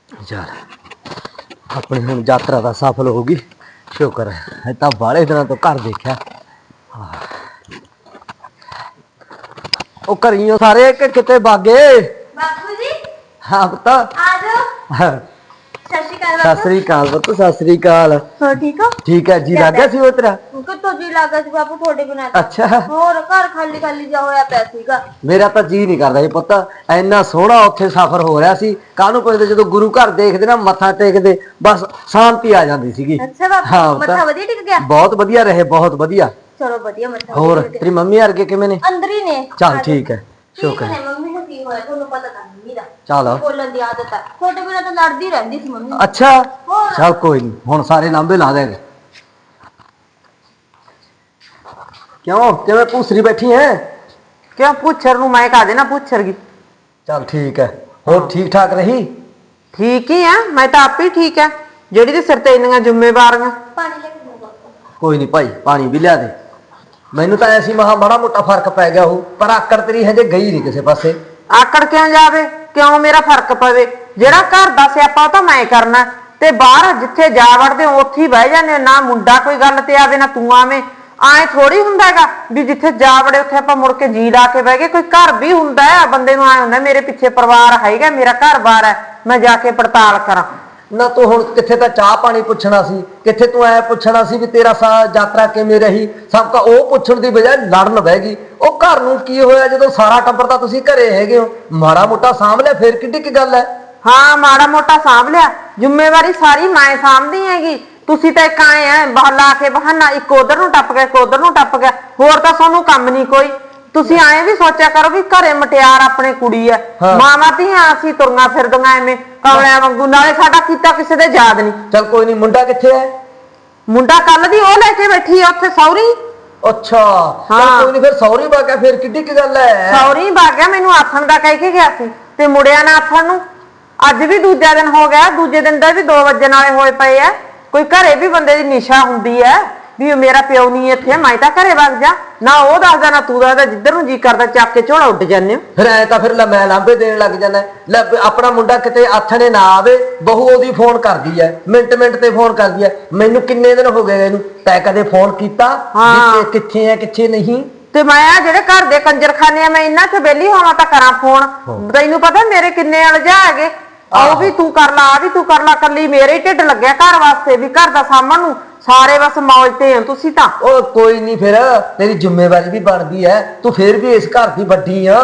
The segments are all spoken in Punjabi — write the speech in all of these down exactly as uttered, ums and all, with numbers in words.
ਚੱਲ ਆਪਣੀ ਹੁਣ ਯਾਤਰਾ ਦਾ ਸਫਲ ਹੋ ਗਈ, ਸ਼ੁਕਰ ਹੈ। ਤਾਂ ਬਾਹਲੇ ਦਿਨਾਂ ਤੋਂ ਘਰ ਦੇਖਿਆ। ਉਹ ਘਰੀਓ ਸਾਰੇ ਕਿ ਕਿਤੇ ਬਾਗੇ? ਬਾਪੂ ਜੀ ਹਾਂ ਪੁੱਤ ਆ ਜਾਓ। ਸਤਿ ਸ਼੍ਰੀ ਅਕਾਲ ਸਤਿ ਬਾਪੂ। ਸ੍ਰੀ ਅਕਾਲ ਪੁੱਤ, ਸਤਿ ਸ੍ਰੀ ਅਕਾਲ। ਹੋਰ ਠੀਕ ਹੋ? ਠੀਕ ਹੈ ਜੀ। ਲੱਗ ਗਿਆ ਸੀ ਉਹ ਤੇਰਾ? ਕਿੱਥੋਂ ਜੀ ਲੱਗ ਗਿਆ ਸੀ ਬਾਪੂ ਤੁਹਾਡੇ ਬਿਨਾਂ ਤਾਂ। ਅੱਛਾ ਹੋਰ ਘਰ ਖਾਲੀ ਖਾਲੀ ਜਿਹਾ ਹੋਇਆ ਪਿਆ ਸੀਗਾ। ਮੇਰਾ ਤਾਂ ਜੀ ਨਹੀਂ ਕਰਦਾ ਸੀ ਪੁੱਤ, ਇੰਨਾ ਸੋਹਣਾ ਉੱਥੇ ਸਫ਼ਰ ਹੋ ਰਿਹਾ ਸੀ। ਕਾਹਨੂੰ ਪੁੱਛਦੇ, ਜਦੋਂ ਗੁਰੂ ਘਰ ਦੇਖਦੇ ਨਾ, ਮੱਥਾ ਟੇਕਦੇ, ਬਸ ਸ਼ਾਂਤੀ ਆ ਜਾਂਦੀ ਸੀਗੀ। ਅੱਛਾ ਬਾਪੂ, ਹਾਂ ਮੱਥਾ ਵਧੀਆ ਟਿਕ ਗਿਆ? ਬਹੁਤ ਵਧੀਆ ਰਹੇ, ਬਹੁਤ ਵਧੀਆ। ਚਲੋ ਵਧੀਆ, ਮੱਥਾ ਹੋਰ ਤੇਰੀ ਮੰਮੀ ਵਰਗੇ ਕਿਵੇਂ ਨੇ? ਅੰਦਰ ਹੀ ਨੇ। ਚੱਲ ਠੀਕ ਹੈ, ਠੀਕ ਸ਼ੁਕਰ ਨੇ। ਹੈ। ਮੰਮੀ ਨੂੰ ਕੀ ਹੋਇਆ ਤੁਹਾਨੂੰ ਪਤਾ ਤਾਂ ਮੰਮੀ ਦਾ ਚੱਲ ਬੋਲਣ ਦੀ ਆਦਤ ਹੈ, ਤੁਹਾਡੇ ਬਿਨਾਂ ਤਾਂ ਲੜਦੀ ਰਹਿੰਦੀ ਸੀ ਮੰਮੀ। ਅੱਛਾ ਚੱਲ ਕੋਈ ਨਹੀਂ, ਹੁਣ ਸਾਰੇ ਲਾਂਭੇ ਲਾ ਦੇਗੇ। ਕਿਉਂ ਕਿਵੇਂ ਭੂਸਰੀ ਬੈਠੀ ਹੈ? ਕਿਉਂ ਪੁੱਛਰ ਨੂੰ ਮੈਂ ਕਹਾ ਦੇਣਾ ਪੁੱਛਰ ਗੀ। ਚੱਲ ਠੀਕ ਹੈ। ਹੋਰ ਠੀਕ ਠਾਕ ਰਹੀ? ਠੀਕ ਹੀ ਆ, ਮੈਂ ਤਾਂ ਆਪ ਹੀ ਠੀਕ ਆ। ਜਿਹੜੀ ਤੇ ਸਿਰ ਤੇ ਇੰਨੀਆਂ ਜ਼ਿੰਮੇਵਾਰੀਆਂ। ਪਾਣੀ ਲੈ ਕੇ ਦੋ ਬਾਪੂ। ਕੋਈ ਨਹੀਂ ਭਾਈ, ਪਾਣੀ ਵੀ ਲਿਆ ਦੇ। ਮੈਨੂੰ ਤਾਂ ਐਸੀ ਮਹਾ ਮਾੜਾ ਮੋਟਾ ਫਰਕ ਪੈ ਗਿਆ ਹੋ, ਪਰ ਆਕੜ ਤੇਰੀ ਹਜੇ ਗਈ ਨਹੀਂ ਕਿਸੇ ਪਾਸੇ। ਆਕੜ ਕਿਉਂ ਜਾਵੇ? ਕਿਉਂ ਮੇਰਾ ਫਰਕ ਪਵੇ? ਜਿਹੜਾ ਘਰ ਦਾ ਸਿਆਪਾ ਉਹ ਤਾਂ ਮੈਂ ਕਰਨਾ, ਤੇ ਬਾਹਰ ਜਿੱਥੇ ਜਾ ਵੜਦੇ ਉੱਥੇ ਹੀ ਬਹਿ ਜਾਂਦੇ। ਨਾ ਮੁੰਡਾ ਕੋਈ ਗੱਲ ਤੇ ਆਵੇ, ਨਾ ਤੂੰ ਆਵੇਂ। ਆਏ ਥੋੜੀ ਹੁੰਦਾ ਹੈਗਾ ਵੀ ਜਿੱਥੇ ਜਾ ਵੜੇ ਉੱਥੇ ਆਪਾਂ ਮੁੜ ਕੇ ਜੀ ਲਾ ਕੇ ਬਹਿ ਗਏ। ਕੋਈ ਘਰ ਵੀ ਹੁੰਦਾ ਹੈ, ਬੰਦੇ ਨੂੰ ਆਏ ਹੁੰਦਾ ਮੇਰੇ ਪਿੱਛੇ ਪਰਿਵਾਰ ਹੈਗਾ, ਮੇਰਾ ਘਰ ਬਾਰ ਹੈ, ਮੈਂ ਜਾ ਕੇ ਪੜਤਾਲ ਕਰਾਂ। ਨਾ ਤੂੰ ਹੁਣ ਕਿੱਥੇ ਤਾਂ ਚਾਹ ਪਾਣੀ ਪੁੱਛਣਾ ਸੀ, ਕਿੱਥੇ ਤੂੰ ਐ ਪੁੱਛਣਾ ਸੀ ਵੀ ਤੇਰਾ ਸਾ ਯਾਤਰਾ ਕਿਵੇਂ ਰਹੀ। ਸਭ ਤਾਂ ਉਹ ਪੁੱਛਣ ਦੀ ਬਜਾਏ ਲੜਨ ਬਹਿ ਗਈ। ਉਹ ਘਰ ਨੂੰ ਕੀ ਹੋਇਆ ਜਦੋਂ ਸਾਰਾ ਟੱਬਰ ਤਾਂ ਤੁਸੀਂ ਘਰੇ ਹੈਗੇ ਹੋ? ਮਾੜਾ ਮੋਟਾ ਸਾਂਭ ਲਿਆ, ਫੇਰ ਕਿੱਡੀ ਕੀ ਗੱਲ ਹੈ? ਹਾਂ ਮਾੜਾ ਮੋਟਾ ਸਾਂਭ ਲਿਆ, ਜ਼ਿੰਮੇਵਾਰੀ ਸਾਰੀ ਮੈਂ ਸਾਂਭਦੀ ਹੈਗੀ। ਤੁਸੀਂ ਤਾਂ ਇੱਕ ਆਏ ਆ ਲਾ ਕੇ ਬਹਾਨਾ, ਇੱਕ ਉਧਰ ਨੂੰ ਟੱਪ ਗਿਆ, ਇੱਕ ਉਧਰ ਨੂੰ ਟੱਪ ਗਿਆ। ਹੋਰ ਤਾਂ ਤੁਹਾਨੂੰ ਕੰਮ ਨਹੀਂ ਕੋਈ। ਤੁਸੀਂ ਆਏ ਵੀ ਸੋਚਿਆ ਕਰੋ ਵੀ ਘਰੇ ਮਟਿਆਰ ਆਪਣੇ ਕੁੜੀ ਐ, ਮਾਵਾਂ ਧੀਆਂ ਅਸੀਂ ਤੁਰੀਆਂ ਫਿਰਦੀਆਂ ਐਵੇਂ ਕਮਲਿਆਂ ਵਾਂਗੂ। ਨਾਲੇ ਸਾਡਾ ਕੀਤਾ ਕਿਸੇ ਦੇ ਯਾਦ ਨਹੀਂ। ਚੱਲ ਕੋਈ ਨਹੀਂ, ਮੁੰਡਾ ਕਿੱਥੇ ਹੈ? ਮੁੰਡਾ ਕੱਲ ਦੀ ਉਹ ਲੈ ਕੇ ਬੈਠੀ ਆ ਉੱਥੇ ਸੌਰੀ। ਅੱਛਾ ਚੱਲ ਕੋਈ ਨਹੀਂ, ਫਿਰ ਸੌਰੀ ਬਾਗਿਆ, ਫੇਰ ਕਿੱਡੀ ਕੀ ਗੱਲ ਹੈ? ਸੌਰੀ ਬਾਗਿਆ ਮੈਨੂੰ ਆਥਣ ਦਾ ਕਹਿ ਕੇ ਗਿਆ ਸੀ ਤੇ ਮੁੜਿਆ ਨਾ ਆਥਣ ਨੂੰ। ਅੱਜ ਵੀ ਦੂਜਾ ਦਿਨ ਹੋ ਗਿਆ, ਦੂਜੇ ਦਿਨ ਦਾ ਵੀ ਦੋ ਵਜਣ ਵਾਲੇ ਹੋਏ ਪਏ ਆ। ਕੋਈ ਘਰੇ ਵੀ ਬੰਦੇ ਦੀ ਨਿਸ਼ਾ ਹੁੰਦੀ ਹੈ ਵੀ ਮੇਰਾ ਪਿਓ ਨਹੀਂ ਇੱਥੇ, ਮੈਂ ਤਾਂ ਘਰੇ ਵਗ ਜਾ। ਨਾ ਉਹ ਦੱਸਦਾ ਨਾ ਤੂੰ ਦੱਸਦਾ, ਜਿੱਧਰ ਨੂੰ ਜੀ ਕਰਦਾ ਚੱਕ ਕੇ ਝੋਲਾ ਉੱਡ ਜਾਂਦੇ ਹੋ। ਫਿਰ ਐ ਤਾਂ ਫਿਰ ਲੈ ਮੈਂ ਲਾਂਭੇ ਦੇਣ ਲੱਗ ਜਾਂਦਾ। ਲੈ ਆਪਣਾ ਮੁੰਡਾ ਕਿਤੇ ਆਥਣੇ ਨਾ ਆਵੇ, ਬਹੂ ਉਹਦੀ ਫੋਨ ਕਰਦੀ ਐ, ਮਿੰਟ ਮਿੰਟ ਤੇ ਫੋਨ ਕਰਦੀ ਐ। ਮੈਨੂੰ ਕਿੰਨੇ ਦਿਨ ਹੋ ਗਏ ਇਹਨੂੰ, ਤੈਂ ਕਦੇ ਫੋਨ ਕੀਤਾ ਵੀ ਕਿੱਥੇ ਐ ਕਿੱਥੇ ਨਹੀਂ? ਤੇ ਮੈਂ ਆ ਜਿਹੜੇ ਘਰ ਦੇ ਕੰਜਰਖਾਨੇ ਆ, ਮੈਂ ਇਹਨਾਂ ਚ ਵਿਹਲੀ ਹੋਵਾਂ ਤਾਂ ਕਰਾਂ ਫੋਨ। ਤੈਨੂੰ ਪਤਾ ਮੇਰੇ ਕਿੰਨੇ ਅਲਝਾ ਹੈਗੇ। ਆਹ ਵੀ ਤੂੰ ਕਰ ਲਾ, ਆ ਵੀ ਤੂੰ ਕਰ ਲਾ। ਕੱਲੀ ਮੇਰੇ ਹੀ ਢਿੱਡ ਲੱਗਿਆ ਘਰ ਵਾਸਤੇ ਵੀ ਘਰ ਦਾ ਸਾਂਭਣ ਨੂੰ। ਸਾਰੇ ਬਸ ਮੌਜ ਤੇ ਹੋ ਤੁਸੀਂ ਤਾਂ। ਉਹ ਕੋਈ ਨਹੀਂ, ਫਿਰ ਤੇਰੀ ਜ਼ਿੰਮੇਵਾਰੀ ਵੀ ਬਣਦੀ ਐ, ਤੂੰ ਫੇਰ ਵੀ ਇਸ ਘਰ ਦੀ ਵੱਡੀ ਆ।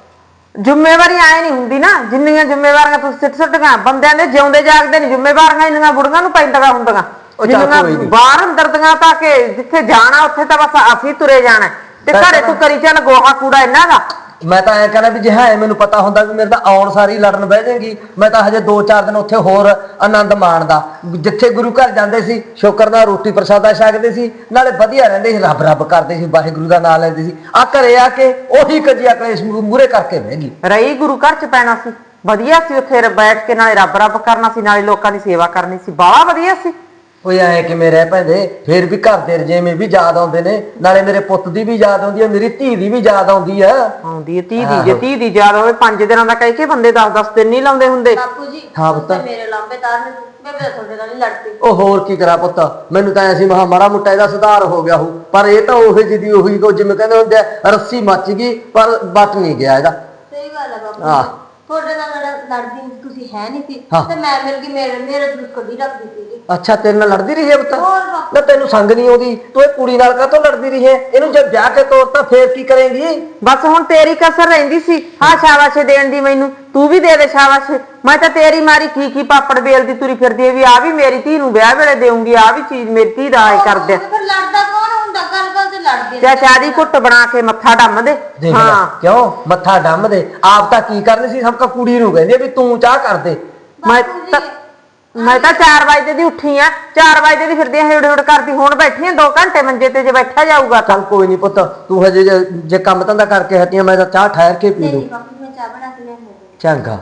ਜ਼ਿੰਮੇਵਾਰੀ ਆਏ ਨਹੀਂ ਹੁੰਦੀ ਨਾ, ਜਿੰਨੀਆਂ ਜ਼ਿੰਮੇਵਾਰੀਆਂ ਤੁਸੀਂ ਸਿੱਟ ਸੁੱਟੀਆਂ। ਬੰਦਿਆਂ ਦੇ ਜਿਉਂਦੇ ਜਾਗਦੇ ਨਹੀਂ ਜ਼ਿੰਮੇਵਾਰੀਆਂ ਇੰਨੀਆਂ ਬੁੜੀਆਂ ਨੂੰ ਪੈਂਦੀਆਂ ਹੁੰਦੀਆਂ। ਜਿੰਨੀਆਂ ਬਾਹਰ ਅੰਦਰ ਦੀਆਂ ਤਾਂ ਕਿ ਜਿੱਥੇ ਜਾਣਾ ਉੱਥੇ ਤਾਂ ਬਸ ਅਸੀਂ ਤੁਰੇ ਜਾਣਾ, ਤੇ ਘਰੇ ਤੂੰ ਕਰੀ ਚੱਲ ਗੋਹਾ ਕੂੜਾ ਇਹਨਾਂ ਦਾ। ਮੈਂ ਤਾਂ ਐ ਕਹਿੰਦਾ ਵੀ ਜੇ ਹੈ ਮੈਨੂੰ ਪਤਾ ਹੁੰਦਾ ਵੀ ਮੇਰੇ ਤਾਂ ਆਉਣ ਸਾਰੀ ਲੜਨ ਬਹਿ ਜਾਏਗੀ, ਮੈਂ ਤਾਂ ਹਜੇ ਦੋ ਚਾਰ ਦਿਨ ਉੱਥੇ ਹੋਰ ਆਨੰਦ ਮਾਣਦਾ। ਜਿੱਥੇ ਗੁਰੂ ਘਰ ਜਾਂਦੇ ਸੀ ਸ਼ੁਕਰ ਨਾਲ ਰੋਟੀ ਪ੍ਰਸ਼ਾਦਾ ਛਕਦੇ ਸੀ, ਨਾਲੇ ਵਧੀਆ ਰਹਿੰਦੇ ਸੀ, ਰੱਬ ਰੱਬ ਕਰਦੇ ਸੀ, ਵਾਹਿਗੁਰੂ ਦਾ ਨਾਮ ਲੈਂਦੇ ਸੀ। ਆ ਘਰੇ ਆ ਕੇ ਉਹੀ ਕਜੀਆ ਕਲੇਸ਼ ਮੂਹਰੇ ਕਰਕੇ ਬਹਿ ਗਈ। ਰਹੀ ਗੁਰੂ ਘਰ ਚ ਪੈਣਾ ਸੀ, ਵਧੀਆ ਸੀ ਉੱਥੇ ਬੈਠ ਕੇ, ਨਾਲੇ ਰੱਬ ਰੱਬ ਕਰਨਾ ਸੀ, ਨਾਲੇ ਲੋਕਾਂ ਦੀ ਸੇਵਾ ਕਰਨੀ ਸੀ, ਬਾਹਲਾ ਵਧੀਆ ਸੀ। ਉਹ ਐ ਕਿਵੇਂ ਰਹਿ ਪੈਂਦੇ? ਫੇਰ ਵੀ ਘਰ ਦੇ ਰਜੇਵੇਂ ਵੀ ਯਾਦ ਆਉਂਦੇ ਨੇ, ਨਾਲੇ ਮੇਰੇ ਪੁੱਤ ਦੀ ਵੀ ਯਾਦ ਆਉਂਦੀ ਹੈ, ਮੇਰੀ ਧੀ ਦੀ ਵੀ ਯਾਦ ਆਉਂਦੀ ਹੈ। ਆਉਂਦੀ ਹੈ ਧੀ ਦੀ, ਜੇ ਧੀ ਦੀ ਯਾਦ ਹੋਵੇ ਪੰਜ ਦਿਨਾਂ ਦਾ ਕਹਿ ਕੇ ਬੰਦੇ ਦਸ ਦਸ ਦਿਨ ਨਹੀਂ ਲਾਉਂਦੇ ਹੁੰਦੇ। ਬਾਪੂ ਜੀ ਹਾਂ ਪੁੱਤ, ਮੇਰੇ ਲਾਂਬੇ ਤਾਰਨ ਮੈਂ ਵੀ ਤੁਹਾਡੇ ਨਾਲ ਲੜਦੀ। ਉਹ ਹੋਰ ਕੀ ਕਰਾਂ ਪੁੱਤ, ਮੈਨੂੰ ਤਾਂ ਐਸੀ ਮਹਾ ਮਾੜਾ ਮੋਟਾ ਇਹਦਾ ਸੁਧਾਰ ਹੋ ਗਿਆ ਹੋ, ਪਰ ਇਹ ਤਾਂ ਉਹੀ ਜਿਹੀ ਉਹੀ ਕੋ ਜਿਵੇਂ ਕਹਿੰਦੇ ਹੁੰਦੇ ਆ, ਰੱਸੀ ਮੱਚ ਗਈ ਪਰ ਬਚ ਨਹੀਂ ਗਿਆ ਇਹਦਾ। ਸਹੀ ਗੱਲ ਹੈ ਬਾਪੂ ਜੀ, ਤੁਹਾਡੇ ਨਾਲ ਲੜਦੀ ਤੁਸੀਂ ਹੈ ਨਹੀਂ ਸੀ ਤੇ ਮੈਂ ਮਿਲ ਗਈ, ਮੇਰੇ ਮੇਰੇ ਜਲੂਸ ਕੱਢੀ ਰੱਖਦੀ ਸੀ। ਅੱਛਾ ਤੇਰੇ ਨਾਲ ਲੜਦੀ ਰਹੀ ਹੈ ਪੁੱਤ? ਨਾ ਤੈਨੂੰ ਸੰਗ ਨਹੀਂ ਆਉਂਦੀ, ਤੂੰ ਇਹ ਕੁੜੀ ਨਾਲ ਕਾਹਤੋਂ ਲੜਦੀ ਰਹੀ ਹੈ? ਇਹਨੂੰ ਜੇ ਵਿਆਹ ਕੇ ਤੋਰਤਾ ਫੇਰ ਕੀ ਕਰੇਂਗੀ? ਬਸ ਹੁਣ ਤੇਰੀ ਕਸਰ ਰਹਿੰਦੀ ਸੀ ਹਾਂ ਸ਼ਾਬਾਸ਼ੇ ਦੇਣ ਦੀ, ਮੈਨੂੰ ਤੂੰ ਵੀ ਦੇ ਦੇ ਸ਼ਾਬਾਸ਼ੇ। ਮੈਂ ਤਾਂ ਤੇਰੀ ਮਾਰੀ ਕੀ ਕੀ ਪਾਪੜ ਵੇਲਦੀ ਤੁਰੀ ਫਿਰਦੀ ਹੈ ਵੀ ਆ ਵੀ ਮੇਰੀ ਧੀ ਨੂੰ ਵਿਆਹ ਵੇਲੇ ਦੇਊਂਗੀ, ਆ ਵੀ ਚੀਜ਼ ਮੇਰੀ ਧੀ ਦਾ ਆਏ ਕਰਦੇ। ਫਿਰ ਲੜਦਾ ਕੌਣ ਹੁੰਦਾ? ਗੱਲ ਗੱਲ ਤੇ ਲੜਦੇ ਚਾਹ ਚਾਹ ਦੀ ਘੁੱਟ ਬਣਾ ਕੇ ਮੱਥਾ ਡੰਮ ਦੇ। ਹਾਂ ਕਿਉਂ ਮੱਥਾ ਡੰਮ ਦੇ? ਆਪ ਤਾਂ ਕੀ ਕਰਨੀ ਸੀ, ਸਭ ਕਾ ਕੁੜੀ ਨੂੰ ਕਹਿੰਦੇ ਵੀ ਤੂੰ ਚਾਹ ਕਰ ਦੇ। ਮੈਂ ਤਾਂ ਮੈਂ ਤਾਂ ਚਾਰ ਵਜੇ ਦੀ ਉੱਠੀ ਆ, ਚਾਰ ਵਜੇ ਦੀ ਫਿਰਦੀ ਹਿੜ ਹਿੜ ਕਰਦੀ, ਹੁਣ ਬੈਠੀ ਆ ਦੋ ਘੰਟੇ ਮੰਜੇ ਤੇ ਜੇ ਬੈਠਾ ਜਾਊਗਾ। ਚੱਲ ਕੋਈ ਨਹੀਂ ਪੁੱਤ, ਤੂੰ ਹਜੇ ਜੇ ਕੰਮ ਧੰਦਾ ਕਰਕੇ ਹਟੀ ਆ, ਮੈਂ ਤਾਂ ਚਾਹ ਠਹਿਰ ਕੇ ਪੀ ਲੂ। ਮੈਂ ਚਾਹ ਬਣਾ ਕੇ ਲਿਆਉਂਦੀ। ਚੰਗਾ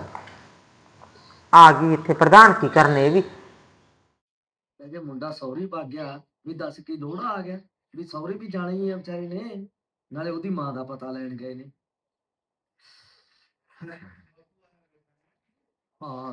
ਆ ਗਈ ਇੱਥੇ ਪ੍ਰਧਾਨ ਕੀ ਕਰਨੇ ਇਹ ਵੀ। ਜੇ ਮੁੰਡਾ ਸੌਰੀ ਭੱਗ ਗਿਆ ਵੀ ਦੱਸ ਕੀ ਲੋੜਾ ਆ ਗਿਆ ਵੀ ਸੌਰੀ ਵੀ ਜਾਣਾ ਹੀ ਆ ਵਿਚਾਰੇ ਨੇ, ਨਾਲੇ ਉਹਦੀ ਮਾਂ ਦਾ ਪਤਾ ਲੈਣ ਗਏ ਨੇ। ਹਾਂ ਆ ਗਈ।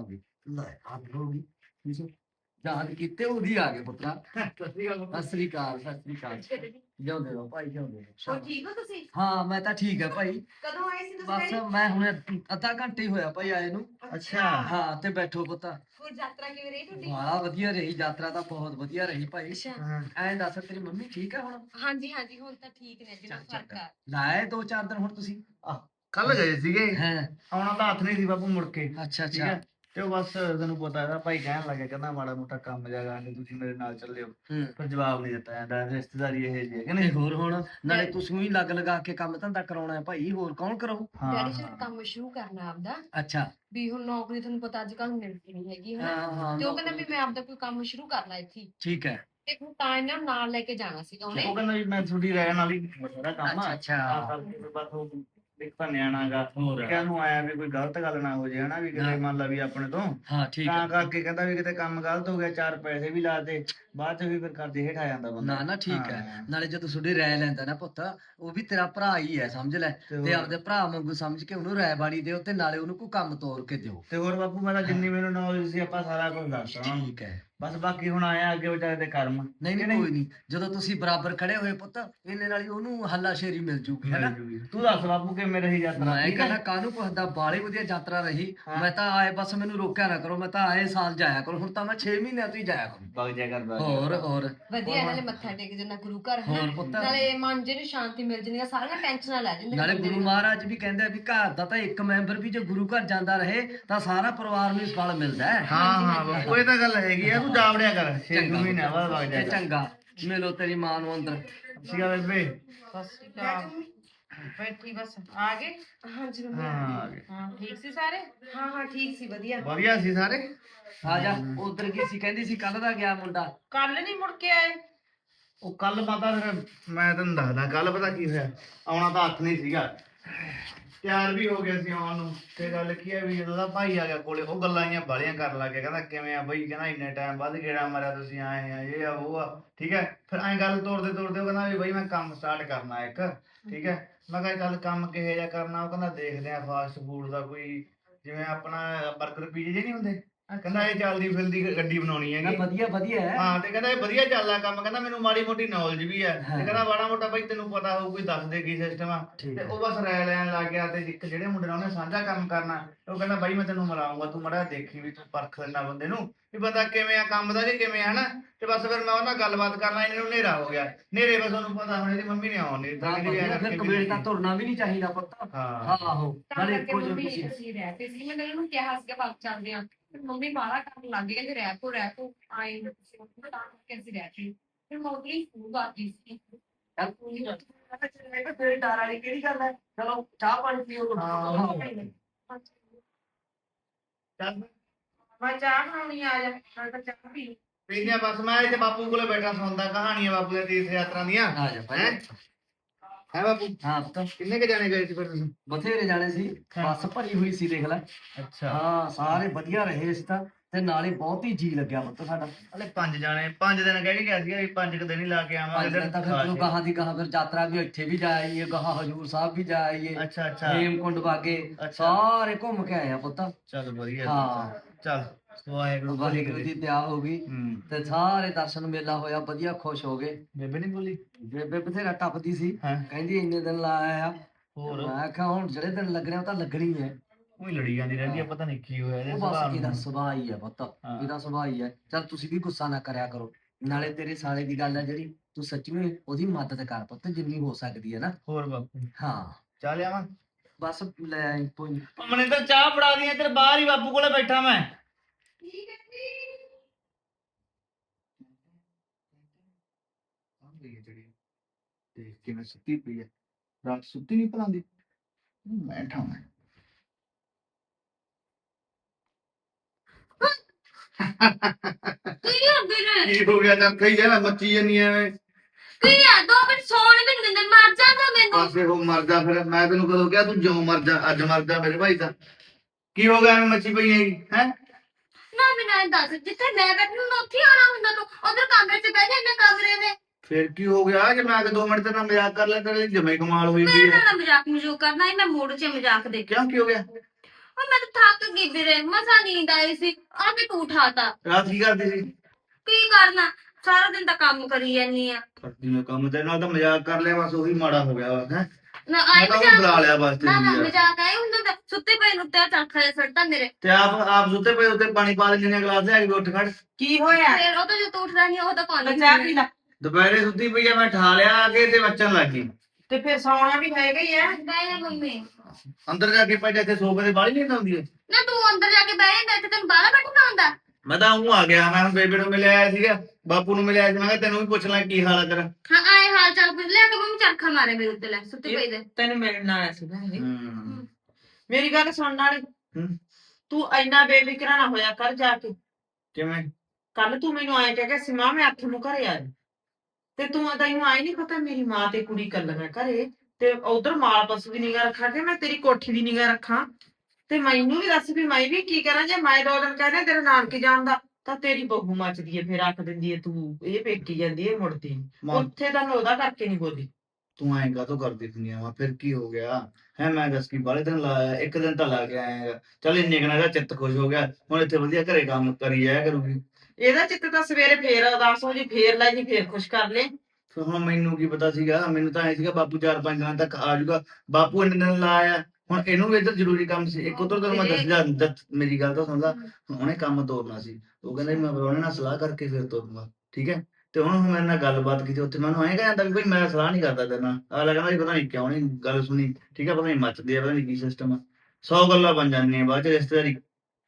ਲੈ ਹੱਦ ਹੋ ਗਈ ਯਾਦ ਕੀਤੇ ਉਹਦੀ ਆ ਗਏ ਪੁੱਤਰਾ। ਸਤਿ ਸ੍ਰੀ ਅਕਾਲ ਸਤਿ ਸ੍ਰੀ ਅਕਾਲ। ਜਿਉਂਦੇ ਰਹੋ ਭਾਈ ਜਿਉਂਦੇ ਰਹੋ। ਠੀਕ ਹੋ ਤੁਸੀਂ? ਹਾਂ ਮੈਂ ਤਾਂ ਠੀਕ ਹੈ ਭਾਈ। ਕਦੋਂ ਆਏ ਸੀ ਬਸ ਮੈਂ ਹੁਣ ਅੱਧਾ ਘੰਟਾ ਹੀ ਹੋਇਆ ਭਾਈ ਆਏ ਨੂੰ। ਅੱਛਾ ਹਾਂ ਤੇ ਬੈਠੋ ਪੁੱਤ। ਹੋਰ ਯਾਤਰਾ ਕਿਵੇਂ ਰਹੀ ਤੁਹਾਡੀ? ਬੜਾ ਵਧੀਆ ਰਹੀ ਯਾਤਰਾ ਤਾਂ ਬਹੁਤ ਵਧੀਆ ਰਹੀ ਭਾਈ। ਐਂ ਦੱਸ ਤੇਰੀ ਮੰਮੀ ਠੀਕ ਹੈ ਹੁਣ? ਹਾਂਜੀ ਹਾਂਜੀ ਹੁਣ ਤਾਂ ਠੀਕ ਨੇ ਜਿੰਨਾ ਫਰਕ ਆ। ਲਾਏ ਦੋ ਚਾਰ ਦਿਨ ਹੁਣ ਤੁਸੀਂ? ਕੱਲ ਗਏ ਸੀਗੇ ਹਾਂ ਆਉਣਾ ਤਾਂ ਹੱਥ ਨਹੀਂ ਸੀ ਬਾਪੂ ਮੁੜ ਕੇ। ਅੱਛਾ ਠੀਕ ਅੱਛਾ ਹੈ ਤੇ ਉਹ ਬਸ ਤੈਨੂੰ ਪਤਾ ਇਹਦਾ ਭਾਈ ਕਹਿਣ ਲੱਗਿਆ ਕਹਿੰਦਾ ਮਾੜਾ ਮੋਟਾ ਕੰਮ ਜਾਗਾ ਤੇ ਤੁਸੀਂ ਮੇਰੇ ਨਾਲ ਚੱਲਿਓ। ਹੂੰ ਪਰ ਜਵਾਬ ਨਹੀਂ ਦਿੱਤਾ ਜਾਂਦਾ ਰਿਸ਼ਤੇਦਾਰੀ ਇਹ ਜੀ ਹੈ ਕਿ ਤੇ ਨਹੀਂ। ਹੋਰ ਹੁਣ ਨਾਲੇ ਤੁਸੀਂ ਹੀ ਲੱਗ ਲਗਾ ਕੇ ਕੰਮ ਧੰਦਾ ਕਰਾਉਣਾ ਹੈ ਭਾਈ ਹੋਰ ਕੌਣ ਕਰਾਉ? ਹਾਂ ਡੈਡੀ ਜੀ ਕੰਮ ਸ਼ੁਰੂ ਕਰਨਾ ਆਪਦਾ ਅੱਛਾ ਵੀ ਹੁਣ ਨੌਕਰੀ ਤੁਹਾਨੂੰ ਪਤਾ ਅੱਜ ਕੱਲ ਮਿਲਦੀ ਨਹੀਂ ਹੈਗੀ ਹਨਾ ਹਾਂ ਹਾਂ ਤੇ ਉਹ ਕਹਿੰਦਾ ਵੀ ਮੈਂ ਆਪਦਾ ਕੋਈ ਕੰਮ ਸ਼ੁਰੂ ਕਰਨਾ ਇੱਥੇ ਹੀ। ਠੀਕ ਹੈ ਤੇ ਹੁਣ ਤਾਂ ਇਹਨਾਂ ਨੂੰ ਨਾਲ ਲੈ ਕੇ ਜਾਣਾ ਸੀਗਾ ਉਹਨੇ। ਉਹ ਕਹਿੰਦਾ ਵੀ ਮੈਂ ਤੁਹਾਡੀ ਰਹਿਣ ਵਾਲੀ ਬਥੇਰਾ ਕੰਮ ਆ ਅੱਛਾ, ਅੱਛਾ। ਆਹ ਕਰਕੇ ਫਿਰ ਬਸ ਉਹ ਦੇਖਤਾ ਨਿਆਣਾਗਾ ਕਹਿੰਨੂੰ ਆਇਆ ਵੀ ਕੋਈ ਗਲਤ ਗੱਲ ਨਾ ਹੋ ਜੇ ਹਨਾ ਵੀ ਕਿਤੇ ਮੰਨ ਲਾ ਵੀ ਆਪਣੇ ਤੋਂ ਹਾਂ ਠੀਕ ਤਾਂ ਹੈ ਕਰਕੇ ਕਹਿੰਦਾ ਵੀ ਕਿਤੇ ਕੰਮ ਗਲਤ ਹੋ ਗਿਆ ਚਾਰ ਪੈਸੇ ਵੀ ਲਾ ਦੇ ਬਾਅਦ ਚ ਵੀ ਫਿਰ ਕਰਜ਼ੇ ਹੇਠ ਆ ਜਾਂਦਾ ਬੰਦਾ। ਨਾ ਨਾ ਠੀਕ ਹੈ ਹਾਂ। ਨਾਲੇ ਜਦੋਂ ਤੁਹਾਡੀ ਰਾਇ ਲੈਂਦਾ ਨਾ ਪੁੱਤ ਉਹ ਵੀ ਤੇਰਾ ਭਰਾ ਹੀ ਹੈ ਸਮਝ ਲੈ ਤੇ ਤੇ ਹੋਰ। ਆਪਦੇ ਭਰਾ ਵਾਂਗੂ ਸਮਝ ਕੇ ਉਹਨੂੰ ਰਾਇ ਬਾਣੀ ਦਿਓ ਤੇ ਨਾਲੇ ਉਹਨੂੰ ਕੋਈ ਕੰਮ ਤੋਰ ਕੇ ਦਿਓ। ਤੇ ਹੋਰ ਬਾਪੂ ਮੈਂ ਤਾਂ ਜਿੰਨੀ ਮੈਨੂੰ ਨੌਲੇਜ ਸੀ ਆਪਾਂ ਸਾਰਾ ਕੁਝ ਦੱਸਤਾ ਉਹਨਾਂ ਨੂੰ। ਠੀਕ ਹੈ ਬਸ ਬਾਕੀ ਹੁਣ ਆਇਆ ਅੱਗੇ ਵਿਚਾਰੇ ਦੇ ਕਰਮ। ਨਹੀਂ ਨਹੀਂ ਕੋਈ ਨਹੀਂ ਜਦੋਂ ਤੁਸੀਂ ਬਰਾਬਰ ਖੜੇ ਹੋਏ ਪੁੱਤ ਇੰਨੇ ਨਾਲ ਹੀ ਉਹਨੂੰ ਹੱਲਾ ਸ਼ੇਰੀ ਮਿਲ ਜੂਗੀ ਹੈਨਾ। ਤੂੰ ਦੱਸ ਬਾਪੂ ਕਿ ਮੇਰੇ ਹੀ ਯਾਤਰਾ ਮੈਂ ਠੀਕ ਕਹਿੰਦਾ ਹੈ। ਕਾਹਨੂੰ ਪੁੱਛਦਾ ਬਾਲੀ ਵਧੀਆ ਯਾਤਰਾ ਰਹੀ ਹਾਂ। ਮੈਂ ਤਾਂ ਆਏ ਬਸ ਮੈਨੂੰ ਰੋਕਿਆ ਨਾ ਕਰੋ ਮੈਂ ਤਾਂ ਆਏ ਸਾਲ ਜਾਇਆ ਕਰੋ ਹੁਣ ਤਾਂ ਮੈਂ ਛੇ ਮਹੀਨਿਆਂ ਤੋਂ ਹੀ ਜਾਇਆ ਕਰੂੰ। ਬਗ ਜਾ ਕਰ ਬਗ ਹੋਰ ਹੋਰ ਵਧੀਆ ਨਾਲੇ ਮੱਥਾ ਟੇਕ ਜਨਾ ਗੁਰੂ ਘਰ ਹੋਰ ਹਨਾ ਪੁੱਤ। ਨਾਲੇ ਮਨ ਜੇ ਨੂੰ ਸ਼ਾਂਤੀ ਮਿਲ ਜਾਂਦੀ ਆ ਸਾਰੀਆਂ ਟੈਨਸ਼ਨਾਂ ਲੈ ਜਾਂਦੇ ਨਾਲੇ ਗੁਰੂ ਮਹਾਰਾਜ ਵੀ ਕਹਿੰਦੇ ਆ ਵੀ ਘਰ ਦਾ ਤਾਂ ਇੱਕ ਮੈਂਬਰ ਵੀ ਜੇ ਗੁਰੂ ਘਰ ਜਾਂਦਾ ਰਹੇ ਤਾਂ ਸਾਰਾ ਪਰਿਵਾਰ ਨੂੰ ਫਲ ਮਿਲਦਾ ਹੈ। ਹਾਂ ਹਾਂ ਬਾਪੂ ਇਹ ਤਾਂ ਗੱਲ ਹੈਗੀ ਆ ਤੂੰ ਜਾਵੜਿਆ ਕਰ ਛੇ ਚੰਗਾ ਮਹੀਨਿਆਂ ਬਾਅਦ ਵਗ ਜਾ ਇਹ ਚੰਗਾ ਮਿਲੋ ਤੇਰੀ ਮਾਂ ਨੂੰ ਅੰਦਰ। ਸੀਗਾ ਬੇਬੇ ਬੈਠੀ ਬਸ ਆ ਗਏ। ਹਾਂਜੀ ਹਾਂ ਆ ਗਏ। ਹਾਂ ਠੀਕ ਸੀ ਸਾਰੇ? ਹਾਂ ਹਾਂ ਠੀਕ ਸੀ ਵਧੀਆ। ਵਧੀਆ ਸੀ ਸਾਰੇ। ਆ ਜਾ ਉਧਰ ਕੀ ਸੀ ਕਹਿੰਦੀ ਸੀ ਕੱਲ ਦਾ ਗਿਆ ਮੁੰਡਾ। ਕੱਲ ਨਹੀਂ ਮੁੜ ਕੇ ਆਏ? ਉਹ ਕੱਲ ਪਤਾ ਫਿਰ ਮੈਂ ਤੈਨੂੰ ਦੱਸਦਾ ਕੱਲ ਪਤਾ ਕੀ ਹੋਇਆ ਆਉਣਾ ਤਾਂ ਹੱਥ ਨਹੀਂ ਸੀਗਾ ਤਿਆਰ ਵੀ ਹੋ ਗਿਆ ਸੀ ਆਉਣ ਨੂੰ ਤੇ ਗੱਲ ਕੀ ਹੈ ਵੀ ਜਦੋਂ ਦਾ ਭਾਈ ਆ ਗਿਆ ਕੋਲੇ ਉਹ ਗੱਲਾਂ ਆਈਆਂ ਬਾਲੀਆਂ ਕਰਨ ਲੱਗ ਗਿਆ ਕਹਿੰਦਾ ਕਿਵੇਂ ਆ ਬਈ ਕਹਿੰਦਾ ਇੰਨੇ ਟਾਈਮ ਬਾਅਦ ਗੇੜਾ ਮਾਰਿਆ ਤੁਸੀਂ ਆਏ ਆ ਇਹ ਆ ਉਹ ਆ ਠੀਕ ਹੈ ਫਿਰ ਐਂ ਗੱਲ ਤੋੜਦੇ ਤੋੜਦੇ ਉਹ ਕਹਿੰਦਾ ਵੀ ਬਈ ਮੈਂ ਕੰਮ ਸਟਾਰਟ ਕਰਨਾ ਇੱਕ ਠੀਕ ਹੈ ਮੈਂ ਕਿਹਾ ਚੱਲ ਕੰਮ ਕਿਹੋ ਜਿਹਾ ਕਰਨਾ ਉਹ ਕਹਿੰਦਾ ਦੇਖਦੇ ਆ ਫਾਸਟ ਫੂਡ ਦਾ ਕੋਈ ਜਿਵੇਂ ਆਪਣਾ 버ਗਰ ਪੀਜ਼ੇ ਜਿਹੇ ਨਹੀਂ ਹੁੰਦੇ ਕਹਿੰਦਾ ਇਹ ਚੱਲਦੀ ਫਿਰਦੀ ਗੱਡੀ ਬਣਾਉਣੀ ਨਾ ਹੈਗੀ ਵਧੀਆ ਵਧੀਆ ਹੈ। ਹਾਂ ਤੇ ਕਹਿੰਦਾ ਇਹ ਵਧੀਆ ਚੱਲਦਾ ਕੰਮ ਕਹਿੰਦਾ ਮੈਨੂੰ ਮਾੜੀ ਮੋਟੀ ਨੌਲੇਜ ਵੀ ਹੈ ਤੇ ਕਹਿੰਦਾ ਮਾੜਾ ਮੋਟਾ ਬਈ ਤੈਨੂੰ ਪਤਾ ਹੋਊ ਕੋਈ ਦੱਸ ਦੇ ਕੀ ਸਿਸਟਮ ਆ ਠੀਕ ਤੇ ਹੈ। ਉਹ ਬਸ ਰਾਇ ਲੈਣ ਲੱਗ ਗਿਆ ਤੇ ਇੱਕ ਜਿਹੜੇ ਮੁੰਡੇ ਨਾਲ ਉਹਨੇ ਸਾਂਝਾ ਕੰਮ ਕਰਨਾ ਉਹ ਕਹਿੰਦਾ ਬਾਈ ਮੈਂ ਤੈਨੂੰ ਮਿਲਾਉਂਗਾ ਤੂੰ ਮੜਾ ਦੇਖੀ ਵੀ ਤੂੰ ਪਰਖ ਲੈਣਾ ਬੰਦੇ ਨੂੰ ਵੀ ਬੰਦਾ ਕਿਵੇਂ ਆ ਕੰਮ ਦਾ ਕਿ ਕਿਵੇਂ ਆ ਹਨਾ ਤੇ ਬਸ ਫਿਰ ਮੈਂ ਉਹਨਾਂ ਨਾਲ ਗੱਲਬਾਤ ਕਰਨਾ ਇਹਨਾਂ ਨੂੰ ਹਨੇਰਾ ਹੋ ਗਿਆ ਹਨੇਰੇ ਬਸ ਉਹਨੂੰ ਪਤਾ ਹੁਣ ਇਹਦੀ ਮੰਮੀ ਨੇ ਆਉਣ ਨਹੀਂ ਹਾਂ ਵਧੀਆ, ਫਿਰ ਕਬੀਰ ਤਾਂ ਤੁਰਨਾ ਵੀ ਨਹੀਂ ਚਾਹੀਦਾ ਪੁੱਤ। ਹਾਂ ਆਹੋ ਤਾਂ ਨਾਲੇ ਕਰਕੇ ਇੱਕੋ ਜਿਹੇ ਮੰਮੀ ਤੁਸੀਂ ਅਸੀਂ ਰਹਿ ਪਏ ਸੀ ਮੈਂ ਇਹਨਾਂ ਨੂੰ ਕਿਹਾ ਸੀਗਾ ਬਾਅਦ ਚੱਲਦੇ ਆ ਫਿਰ ਮੰਮੀ ਬਾਹਲਾ ਕਰਨ ਲੱਗ ਗਈ ਕਹਿੰਦੇ ਰਹਿ ਪੋ ਰਹਿ ਪੋ ਆਏ ਤਾਂ ਕਰਕੇ ਅਸੀਂ ਰਹਿ ਪਏ ਫਿਰ ਮੈਂ ਉਧਰ ਹੀ ਸਕੂਲ ਆ ਗਈ ਸੀ। ਤੇਰੀ ਡਰ ਵਾਲੀ ਕਿਹੜੀ ਗੱਲ ਹੈ ਚਲੋ ਚਾਹ ਪਾਣੀ ਪੀਓ। ਚੱਲ ਮੈਂ ਚਾਹ ਬਣਾਉਣੀ ਆ ਜਾ ਮੈਂ ਤਾਂ ਚਾਹ ਪੀ। ਪੀਂਦੇ ਬਸ ਮੈਂ ਇੱਥੇ ਬਾਪੂ ਕੋਲੇ ਬੈਠਾ ਸੁਣਦਾ ਕਹਾਣੀਆਂ ਬਾਪੂ ਦੀਆਂ ਤੀਰਥ ਯਾਤਰਾ ਦੀਆਂ ਆ ਜਾ ਭਾਈ। ਹੈ ਹੈ ਬਾਪੂ ਹਾਂ ਪੁੱਤ ਕਿੰਨੇ ਕ ਜਾਣੇ ਗਏ ਸੀ ਫਿਰ ਤੁਸੀਂ ਬਥੇਰੇ ਜਾਣੇ ਸੀ ਬੱਸ ਭਰੀ ਹੋਈ ਸੀ ਦੇਖ ਲੈ। ਅੱਛਾ ਹਾਂ ਸਾਰੇ ਵਧੀਆ ਰਹੇ ਇਸ ਤਾਂ ਤੇ ਨਾਲੇ ਬਹੁਤ ਹੀ ਜੀ ਲੱਗਿਆ ਪੁੱਤ ਸਾਡਾ। ਹਲੇ ਪੰਜ ਜਾਣੇ ਪੰਜ ਦਿਨ ਕਹਿ ਕੇ ਗਿਆ ਸੀ ਵੀ ਪੰਜ ਕ ਦਿਨ ਹੀ ਲਾ ਕੇ ਪੰਜ ਆਵਾਂਗੇ ਦਿਨ ਤਾਂ ਫਿਰ ਚਲੋ ਗਾਹਾਂ ਦੀ ਗਾਹਾਂ ਫਿਰ ਯਾਤਰਾ ਵੀ ਇੱਥੇ ਵੀ ਜਾ ਆਈਏ ਗਾਹਾਂ ਹਜੂਰ ਸਾਹਿਬ ਵੀ ਜਾ ਆਈਏ ਅੱਛਾ ਅੱਛਾ ਹੇਮਕੁੰਡ ਬਾਗੇ ਅੱਛਾ। ਸਾਰੇ ਘੁੰਮ ਕੇ ਆਏ ਆ ਪੁੱਤ। ਚੱਲ ਵਧੀਆ ਹਾਂ। ਚੱਲ ਵਾਹਿਗੁਰੂ ਵਾਹਿਗੁਰੂ ਦੀ ਦਇਆ ਹੋ ਗਈ ਹੂੰ ਤੇ ਸਾਰੇ ਦਰਸ਼ਨ ਮੇਲਾ ਹੋਇਆ ਵਧੀਆ ਖੁਸ਼ ਹੋ ਗਏ। ਬੇਬੇ ਨਹੀਂ ਬੋਲੀ ਬੇਬੇ ਬਥੇਰਾ ਟੱਪਦੀ ਸੀ ਹਾਂ ਕਹਿੰਦੀ ਇੰਨੇ ਦਿਨ ਲਾ ਆਇਆ। ਹੋਰ ਮੈਂ ਕਿਹਾ ਹੁਣ ਜਿਹੜੇ ਦਿਨ ਲੱਗਣੇ ਉਹ ਤਾਂ ਲੱਗਣੀ ਹੈ। ਉਹੀ ਲੜੀ ਜਾਂਦੀ ਰਹਿੰਦੀ ਆ ਪਤਾ ਨਹੀਂ ਕੀ ਹੋਇਆ ਇਹਦੇ ਉਹ ਸੁਭਾਅ ਬਸ ਇਹਦਾ ਨੂੰ। ਸੁਭਾਅ ਹੀ ਹੈ ਪੁੱਤ ਹਾਂ। ਇਹਦਾ ਸੁਭਾਅ ਹੀ ਹੈ। ਚੱਲ ਤੁਸੀਂ ਵੀ ਗੁੱਸਾ ਨਾ ਕਰਿਆ ਕਰੋ ਨਾਲੇ ਤੇਰੇ ਸਾਲੇ ਦੀ ਗੱਲ ਹੈ ਜਿਹੜੀ ਤੂੰ ਸੱਚੀ ਉਹਦੀ ਮਦਦ ਕਰ ਪੁੱਤ ਜਿੰਨੀ ਹੋ ਸਕਦੀ ਹੈ ਨਾ। ਹੋਰ ਬਾਪੂ ਹਾਂ ਚਾਹ ਲਿਆਵਾਂ ਬਸ ਲੈ ਆਈ ਕੋਈ ਨੀ। ਮਨੇ ਤਾਂ ਚਾਹ ਫੜਾ ਦੀ ਇੱਧਰ ਬਾਹਰ ਹੀ ਬਾਪੂ ਕੋਲੇ ਬੈਠਾ ਮੈਂ ਠੀਕ ਹੈ ਜੀ। ਦੇਖ ਕਿਵੇਂ ਸੁੱਤੀ ਪਈ ਹੈ ਰਾਤ ਸੁੱਤੀ ਨਹੀਂ ਪਲਾਂਦੀ ਮੈਂ ਠਾਉਣਾ ਕੀ ਹੁੰਦੇ ਨੇ ਕੀ ਹੋ ਗਿਆ ਜਦ ਕਹੀ ਜਾਣਾ ਮੱਚੀ ਜਾਨੀ ਐਵੇਂ ਕੀ ਆ ਦੋ ਮਿੰਟ ਸੌਣ ਵੀ ਨਹੀਂ ਦਿੰਦੇ ਮਰ ਜਾਂਦਾ ਮੈਨੂੰ। ਪਾਸੇ ਹੋ ਮਰ ਜਾ ਫਿਰ ਮੈਂ ਤੈਨੂੰ ਕਦੋਂ ਕਿਹਾ ਤੂੰ ਜਿਉਂ ਮਰ ਜਾ ਅੱਜ ਮਰ ਜਾ ਮੇਰੇ ਭਾਈ ਦਾ ਕੀ ਹੋ ਗਿਆ ਐਵੇਂ ਮੱਚੀ ਪਈ ਹੈਗੀ ਹੈ ਨਾ ਮੈਨੂੰ ਇਹ ਦੱਸ ਜਿੱਥੇ ਮੈਂ ਬੈਠੀ ਨੂੰ ਉੱਥੇ ਹੀ ਆਉਣਾ ਹੁੰਦਾ ਤੂੰ ਉਧਰ ਕਮਰੇ 'ਚ ਬਹਿ ਜਾ ਇੰਨੇ ਕਮਰੇ ਦੇ। ਫਿਰ ਕੀ ਹੋ ਗਿਆ ਜੇ ਮੈਂ ਕਿ ਦੋ ਮਿੰਟ ਤੇਰੇ ਨਾਲ ਮਜ਼ਾਕ ਕਰ ਲਿਆ ਤੇਰੇ ਜਮੇ ਕਮਾਲ ਹੋਈ ਮੇਰੇ ਪਈ ਹੈ ਨਾਲ ਮਜ਼ਾਕ ਮਜ਼ੂਕ ਕਰਨਾ ਹੀ ਮੈਂ ਮੂਡ 'ਚ ਮਜ਼ਾਕ ਦੇ। ਕਿਉਂ ਕੀ ਹੋ ਗਿਆ ਉਹ ਮੈਂ ਤਾਂ ਥੱਕ ਗਈ ਵੀਰੇ ਮਸਾ ਨੀਂਦ ਆਈ ਸੀ ਆ ਕੇ ਤੂੰ ਉਠਾਤਾ ਰਾਤ ਕੀ ਕਰਦੀ ਸੀ? ਕੀ ਕਰਨਾ ਸਾਰਾ ਦਿਨ ਤਾਂ ਕੰਮ ਕਰੀ ਜਾਨੀ ਆ ਕਰਦੀ ਮੈਂ ਕੰਮ, ਤੇਰੇ ਨਾਲ ਤਾਂ ਮਜ਼ਾਕ ਕਰ ਲਿਆ ਬਸ, ਉਹੀ ਮਾੜਾ ਹੋ ਗਿਆ ਵਾ ਹੈ। ਨਾ ਮੈਂ ਆਈ ਤਾਂ ਉਹਨੂੰ ਬੁਲਾ ਲਿਆ ਬਸ ਨਾ ਨਾ ਤੇਰੀ ਯਾਰ। ਮਜ਼ਾਕ ਆਏ ਹੁੰਦਾ ਤਾਂ ਸੁੱਤੇ ਪਏ ਨੂੰ ਤੇ ਚੱਖਾ ਸੜਤਾ ਮੇਰੇ ਤੇ ਆਪ ਆਪ ਸੁੱਤੇ ਪਏ ਉੱਤੇ ਪਾਣੀ ਪਾ ਦੇ, ਜਿੰਨੇ ਗਲਾਸ ਲੈ ਕੇ ਉੱਠ ਖੜ। ਕੀ ਹੋਇਆ ਫਿਰ ਉਹ ਤਾਂ ਜੇ ਤੂੰ ਉੱਠਦਾ ਨਹੀਂ ਉਹ ਤਾਂ ਪਾਣੀ ਚਾਹ ਪੀ ਲੈ ਦੁਪਹਿਰੇ ਸੁੱਤੀ ਪਈ ਆ, ਮੈਂ ਠਾ ਲਿਆ ਆ ਕੇ ਤੇ ਵੱਚਣ ਲੱਗ ਗਈ। ਤੇ ਫਿਰ ਸੌਣਾ ਵੀ ਹੈਗਾ ਹੀ ਹੈ ਬਹਿ ਜਾ ਮੰਮੀ ਅੰਦਰ ਜਾ ਕੇ ਪੈ ਜਾ, ਇੱਥੇ ਸੋਫੇ ਤੇ ਬਾਹਲੀ ਨੀਂਦ ਆਉਂਦੀ ਹੈ। ਨਾ ਤੂੰ ਅੰਦਰ ਜਾ ਕੇ ਬਹਿ ਜਾਂਦਾ ਇੱਥੇ ਤੈਨੂੰ ਬਾਹਰ ਬੈਠਣਾ ਹੁੰਦਾ ਮੈਂ ਤਾਂ ਉਹ ਆ ਗਿਆ, ਮੈਂ ਹੁਣ ਬੇਬੇ ਨੂੰ ਮਿਲਿਆ ਆਇਆ ਸੀਗਾ, ਬਾਪੂ ਨੂੰ ਮਿਲਿਆ ਸੀ, ਮੈਂ ਕਿਹਾ ਤੈਨੂੰ ਵੀ ਪੁੱਛ ਲਾਂ ਕੀ ਹਾਲ ਆ ਤੇਰਾ। ਹਾਂ ਆਏ ਹਾਲ ਚਾਲ ਪੁੱਛ ਲਿਆ ਕਿ ਮੰਮੀ ਚਰਖਾ ਮਾਰੇ ਮੇਰੇ ਉੱਤੇ ਲੈ ਸੁੱਤੇ ਪਈ ਦੇ ਤੈਨੂੰ ਮਿਲਣ ਆਇਆ ਸੀ ਭੈਣੇ ਹੂੰ ਮੇਰੀ ਗੱਲ ਸੁਣਨ ਵਾਲੀ ਹੂੰ। ਤੂੰ ਇੰਨਾ ਬੇਫਿਕਰਾ ਨਾ ਹੋਇਆ ਕਰ ਜਾ ਕੇ ਕਿਵੇਂ? ਕੱਲ ਤੂੰ ਮੈਨੂੰ ਆਏ ਕਹਿ ਕੇ ਸੀ ਮਾਂ ਮੈਂ ਅੱਠ ਨੂੰ ਘਰੇ ਆ ਜਾ ਤੇ ਤੂੰ ਤੈਨੂੰ ਆਏ ਨਹੀਂ ਪਤਾ ਮੇਰੀ ਮਾਂ ਤੇ ਕੁੜੀ ਕੱਲੀਆਂ ਘਰੇ ਤੇ ਉਧਰ ਮਾਲ ਪਸ਼ੂ ਦੀ ਨਿਗਾਹ ਰੱਖਾਂ ਕਿ ਮੈਂ ਤੇਰੀ ਕੋਠੀ ਦੀ ਨਿਗਾਹ ਰੱਖਾਂ ਤੇ ਮੈਨੂੰ ਵੀ ਦੱਸ ਵੀ ਮੈਂ ਵੀ ਕੀ ਕਰਾਂ ਜੇ ਮੈਂ ਦੋ ਦਿਨ ਕਹਿੰਦੇ ਤੇਰੇ ਨਾਨਕੇ ਜਾਣ ਦਾ ਤਾਂ ਤੇਰੀ ਬਹੂ ਮੱਚਦੀ ਏ ਫਿਰ ਆਖ ਦਿੰਦੀ ਏ ਤੂੰ ਇਹ ਪੇਕੀ ਜਾਂਦੀ ਏ ਮੁੜਦੀ ਨੀ। ਮਾਂ ਉੱਥੇ ਤਾਂ ਮੈਂ ਉਹਦਾ ਕਰਕੇ ਨਹੀਂ ਬੋਲੀ ਤੂੰ ਐਂ ਕਾਹਤੋਂ ਕਰਦੀ ਦੁਨੀਆ ਵਾ, ਫਿਰ ਕੀ ਹੋ ਗਿਆ ਹੈ? ਮੈਂ ਦੱਸ ਕੀ ਬਾਲੇ ਦਿਨ ਲਾਇਆ, ਇੱਕ ਦਿਨ ਤਾਂ ਲਾ ਕੇ ਆਏਗਾ, ਚੱਲ ਇੰਨੇ ਕੁ ਨਾਲ ਇਹਦਾ ਚਿੱਤ ਖੁਸ਼ ਹੋ ਗਿਆ, ਹੁਣ ਇੱਥੇ ਵਧੀਆ ਘਰੇ ਕੰਮ ਕਰੀ ਜਾਇਆ ਕਰੂਗੀ। ਇਹਦਾ ਚਿੱਤ ਤਾਂ ਸਵੇਰੇ ਫੇਰ ਉਦਾਸ ਹੋ ਜੀ ਫੇਰ ਲੈ ਜੀ ਫੇਰ ਖੁਸ਼ ਕਰ ਲੈ ਫਿਰ ਹੁਣ ਮੈਨੂੰ ਕੀ ਪਤਾ ਸੀਗਾ, ਮੈਨੂੰ ਤਾਂ ਐ ਸੀਗਾ ਬਾਪੂ ਚਾਰ ਪੰਜ ਦਿਨਾਂ ਤੱਕ ਆ ਜਾਊਗਾ, ਬਾਪੂ ਇੰਨੇ ਦਿਨ ਲਾਇਆ, ਹੁਣ ਇਹਨੂੰ ਵੀ ਇੱਧਰ ਜ਼ਰੂਰੀ ਕੰਮ ਸੀ, ਇੱਕ ਉਧਰ ਤੈਨੂੰ ਮੈਂ ਦੱਸਦਾ ਦੱਸ ਮੇਰੀ ਗੱਲ ਤਾਂ ਸੁਣਦਾ, ਉਹਨੇ ਕੰਮ ਤੋਰਨਾ ਸੀ, ਉਹ ਕਹਿੰਦਾ ਵੀ ਮੈਂ ਉਹਨੇ ਨਾਲ ਸਲਾਹ ਕਰਕੇ ਫਿਰ ਤੋਰੂੰਗਾ, ਠੀਕ ਹੈ। ਤੇ ਹੁਣ ਮੇਰੇ ਨਾਲ ਗੱਲਬਾਤ ਕੀਤੀ ਉੱਥੇ, ਮੈਨੂੰ ਐਂ ਕਹਿੰਦਾ ਵੀ ਬਈ ਮੈਂ ਸਲਾਹ ਨਹੀਂ ਕਰਦਾ ਤੇਰੇ ਨਾਲ, ਅਗਲਾ ਕਹਿੰਦਾ ਵੀ ਪਤਾ ਨਹੀਂ ਕਿਉਂ ਨਹੀਂ ਗੱਲ ਸੁਣੀ, ਠੀਕ ਹੈ, ਪਤਾ ਨਹੀਂ ਮੱਚਦੀ ਆ, ਪਤਾ ਨਹੀਂ ਕੀ ਸਿਸਟਮ ਆ, ਸੌ ਗੱਲਾਂ ਬਣ ਜਾਂਦੀਆਂ ਬਾਅਦ ਚ ਰਿਸ਼ਤੇਦਾਰੀ।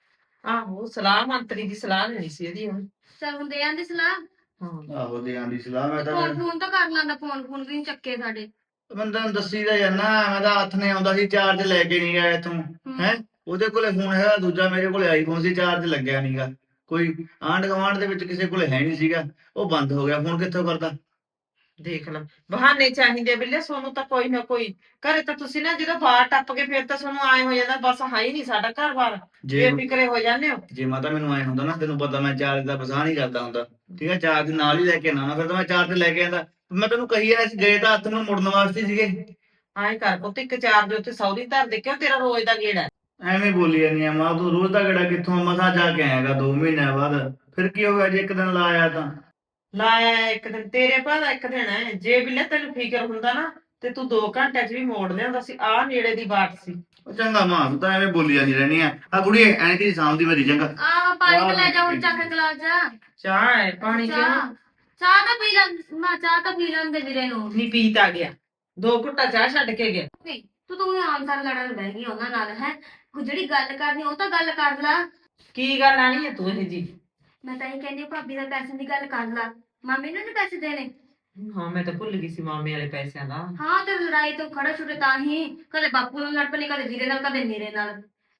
ਆਹੋ ਸਲਾਹ ਮੰਤਰੀ ਦੀ ਸਲਾਹ ਲੈਣੀ ਸੀ ਇਹਦੀ ਹੁਣ ਚੱਲ ਹੁਣ ਦੇ ਆਂਦੀ ਸਲਾਹ ਹਾਂ ਆਹੋ ਦੇ ਆਂਦੀ ਸਲਾਹ, ਮੈਂ ਤਾਂ ਫੋਨ ਫੋਨ ਤਾਂ ਕਰ ਲਾਂਦਾ ਫੋਨ ਫੋਨ ਵੀ ਨੀ ਚੱਕੇ ਸਾਡੇ ਬੰਦਾ ਨੂੰ ਦੱਸੀ ਦਾ ਜਾਂਦਾ, ਮੈਂ ਤਾਂ ਹੱਥ ਨੇ ਆਉਂਦਾ ਸੀ, ਚਾਰਜ ਲੈ ਕੇ ਨਹੀਂ ਗਿਆ ਇੱਥੋਂ ਹੈ, ਉਹਦੇ ਕੋਲੇ ਫੋਨ ਹੈਗਾ ਦੂਜਾ, ਮੇਰੇ ਕੋਲੇ ਆਈਫੋਨ ਸੀ, ਚਾਰਜ ਲੱਗਿਆ ਨਹੀਂਗਾ, ਕੋਈ ਆਂਢ ਗੁਆਂਢ ਦੇ ਵਿੱਚ ਕਿਸੇ ਕੋਲੇ ਹੈ ਨਹੀਂ ਸੀਗਾ, ਉਹ ਬੰਦ ਹੋ ਗਿਆ, ਫੋਨ ਕਿੱਥੋਂ ਕਰਦਾ। ਦੇਖ ਲਾ ਬਹਾਨੇ ਚਾਹੀਦੇ ਬਿੱਲੇ ਸੋਨੂੰ ਤਾਂ ਕੋਈ ਨਾ ਕੋਈ ਘਰੇ ਤਾਂ ਤੁਸੀਂ ਨਾ ਜਦੋਂ ਬਾਹਰ ਟੱਪ ਕੇ ਫਿਰ ਤਾਂ ਸੋਨੂੰ ਆਏ ਹੋ ਜਾਂਦਾ ਬਸ ਹੈ ਹੀ ਨਹੀਂ ਸਾਡਾ ਘਰ ਬਾਰ ਜੇ ਬੇਫਿਕਰੇ ਹੋ ਜਾਂਦੇ ਹੋ ਜੇ ਮਾਤਾ ਮੈਨੂੰ ਆਏ ਹੁੰਦਾ ਨਾ, ਤੈਨੂੰ ਪਤਾ ਮੈਂ ਚਾਰਜ ਦਾ ਬਸਾ ਨਹੀਂ ਕਰਦਾ ਹੁੰਦਾ, ਠੀਕ ਹੈ, ਚਾਰਜ ਨਾਲ ਹੀ ਲੈ ਕੇ ਆਉਣਾ, ਫਿਰ ਤਾਂ ਮੈਂ ਚਾਰਜ ਲੈ ਕੇ ਆਂਦਾ, ਮੈਂ ਤੈਨੂੰ ਕਹੀ ਆ ਗਏ ਤਾਂ ਹੱਥ ਨੂੰ ਮੁੜਨ ਵਾਸਤੇ ਸੀਗੇ। ਆਏ ਕਰ ਪੁੱਤ ਇੱਕ ਚਾਰ ਦੇ ਉੱਤੇ ਸੌਦੀ ਧਰ ਦੇ ਕਿਉਂ ਤੇਰਾ ਰੋਜ਼ ਦਾ ਗੇੜਾ ਹੈ। ਐਵੇਂ ਬੋਲੀ ਜਾਂਦੀ ਆ ਮਾਂ, ਤੂੰ ਰੋਜ਼ ਦਾ ਗੜਾ ਕਿੱਥੋਂ, ਮਸਾ ਜਾ ਕੇ ਆਏਗਾ ਦੋ ਮਹੀਨਿਆਂ ਬਾਅਦ, ਫਿਰ ਕੀ ਹੋ ਗਿਆ ਜੇ ਇੱਕ ਦਿਨ ਲਾਇਆ ਤਾਂ। ਲਾਇਆ ਇੱਕ ਦਿਨ ਤੇਰੇ ਭਾਦਾ ਇੱਕ ਦਿਨ ਹੈ ਜੇ ਬਿੱਲੇ ਤੈਨੂੰ ਫਿਕਰ ਹੁੰਦਾ ਨਾ ਤੇ ਤੂੰ ਦੋ ਘੰਟਿਆਂ ਚ ਵੀ ਮੋੜ ਲਿਆਉਂਦਾ ਸੀ ਆਹ ਨੇੜੇ ਦੀ ਬਾਤ ਸੀ ਉਹ ਚੰਗਾ ਮਾਂ, ਤੂੰ ਤਾਂ ਐਵੇਂ ਬੋਲੀ ਜਾਂਦੀ ਰਹਿਣੀ ਆ, ਆ ਕੁੜੀ ਐਂ ਕਿ ਸਾਂਭਦੀ ਮੇਰੀ ਚੰਗਾ। ਆਹ ਪਾਣੀ ਤਾਂ ਲੈ ਜਾ ਹੁਣ ਚੱਕ ਕੇ ਗਲਾਸ ਜਾ ਚਾਹ ਹੈ ਪਾਣੀ ਕਿਉਂ ਚਾਹ ਚਾਹ ਤਾਂ ਪੀ ਲਾਂ ਮੈਂ ਚਾਹ ਤਾਂ ਪੀ ਲੈਂਦੇ ਵੀਰੇ ਨੂੰ ਨਹੀਂ ਪੀਤ ਆ ਗਿਆ ਦੋ ਘੁੱਟਾ ਚਾਹ ਛੱਡ ਕੇ ਗਿਆ ਵੀ ਤੂੰ ਤੂੰ ਆਮ ਸਾਰ ਲੜਨ ਬਹਿ ਗਈ ਉਹਨਾਂ ਨਾਲ ਹੈ ਕੋਈ ਜਿਹੜੀ ਗੱਲ ਕਰਨੀ ਉਹ ਤਾਂ ਗੱਲ ਕਰ ਲਾ ਕੀ ਗੱਲ ਆਣੀ ਹੈ ਤੂੰ ਇਹ ਜੀ ਮੈਂ ਤਾਂ ਇਹ ਕਹਿੰਦੀ ਭਾਬੀ ਦਾ ਪੈਸੇ ਦੀ ਗੱਲ ਕਰ ਲਾ ਮਾਮੀ ਨੂੰ ਨੀ ਪੈਸੇ ਦੇਣੇ ਹਾਂ ਮੈਂ ਤਾਂ ਭੁੱਲ ਗਈ ਸੀ ਮਾਮੇ ਵਾਲੇ ਪੈਸਿਆਂ ਦਾ ਹਾਂ ਤੇ ਲੜਾਈ ਤੋਂ ਖੜਾ ਛੁੱਟੇ ਤਾਂ ਹੀ ਕਦੇ ਬਾਪੂ ਨਾਲ ਲੜ ਪਣੀ ਕਦੇ ਵੀਰੇ ਨਾਲ ਕਦੇ ਮੇਰੇ ਨਾਲ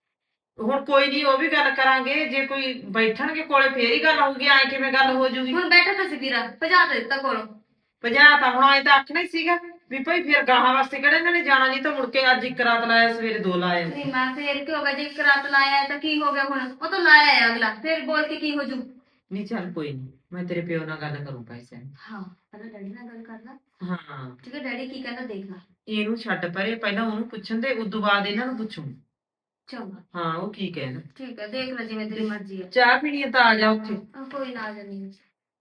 ਹੁਣ ਕੋਈ ਨਹੀਂ ਉਹ ਵੀ ਗੱਲ ਕਰਾਂਗੇ ਜੇ ਕੋਈ ਬੈਠਣਗੇ ਕੋਲੇ ਫੇਰ ਹੀ ਗੱਲ ਹੋਊਗੀ ਐ ਕਿਵੇਂ ਗੱਲ ਹੋ ਜੂਗੀ ਹੁਣ ਬੈਠਾ ਤਾਂ ਸੀ ਵੀਰਾ ਭਜਾ ਦੇ ਦਿੱਤਾ ਕੋਲੋਂ ਪੰਜਾਹ ਤਾਂ ਹੁਣ ਆਏ ਤਾਂ ਆਖਣਾ ਹੀ ਸੀਗਾ ਵੀ ਭਾਈ ਫਿਰ ਗਾਹਾਂ ਵਾਸਤੇ ਕਿਹੜਾ ਇਹਨਾਂ ਨੇ ਜਾਣਾ ਨਹੀਂ ਤਾਂ ਮੁੜ ਕੇ ਅੱਜ ਇੱਕ ਰਾਤ ਲਾਇਆ ਸਵੇਰੇ ਦੋ ਲਾਇਆ ਨਹੀਂ ਮੈਂ ਫੇਰ ਕੀ ਹੋ ਗਿਆ ਜੇ ਇੱਕ ਰਾਤ ਲਾਇਆ ਤਾਂ ਕੀ ਹੋ ਗਿਆ ਹੁਣ ਉਹ ਤਾਂ ਲਾਇਆ ਹੈ ਅਗਲਾ ਫੇਰ ਬੋਲ ਕੇ ਕੀ ਹੋ ਜੂ ਨਹੀਂ ਚੱਲ ਕੋਈ ਨਹੀਂ ਮੈਂ ਤੇਰੇ ਪਿਓ ਨਾਲ ਗੱਲ ਕਰੂੰ ਪੈਸਿਆਂ ਦੀ ਹਾਂ ਪਹਿਲਾਂ ਡੈਡੀ ਨਾਲ ਗੱਲ ਕਰ ਲਾ ਹਾਂ ਠੀਕ ਹੈ ਡੈਡੀ ਕੀ ਕਹਿੰਦਾ ਦੇਖ ਲਾ ਇਹਨੂੰ ਛੱਡ ਪਰੇ ਪਹਿਲਾਂ ਉਹਨੂੰ ਪੁੱਛਣ ਦੇ ਉਦੋਂ ਬਾਅਦ ਇਹਨਾਂ ਨੂੰ ਪੁੱਛੂ ਚੰਗਾ ਹਾਂ ਉਹ ਕੀ ਕਹਿੰਦਾ ਠੀਕ ਹੈ ਦੇਖ ਲੈ ਜਿਵੇਂ ਤੇਰੀ ਮਰਜ਼ੀ ਹੈ ਚਾਹ ਪੀਣੀ ਹੈ ਤਾਂ ਆ ਜਾ ਉੱਥੇ ਆਹ ਕੋਈ ਨਾ ਆ ਜਾਣੀ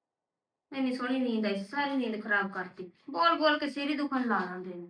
ਇੰਨੀ ਸੋਹਣੀ ਨੀਂਦ ਆਈ ਸੀ, ਸਾਰੀ ਨੀਂਦ ਖਰਾਬ ਕਰਤੀ ਬੋਲ ਬੋਲ ਕੇ ਸਿਰ ਹੀ ਦੁਖਣ ਲਾ ਲੈਂਦੇ ਨੇ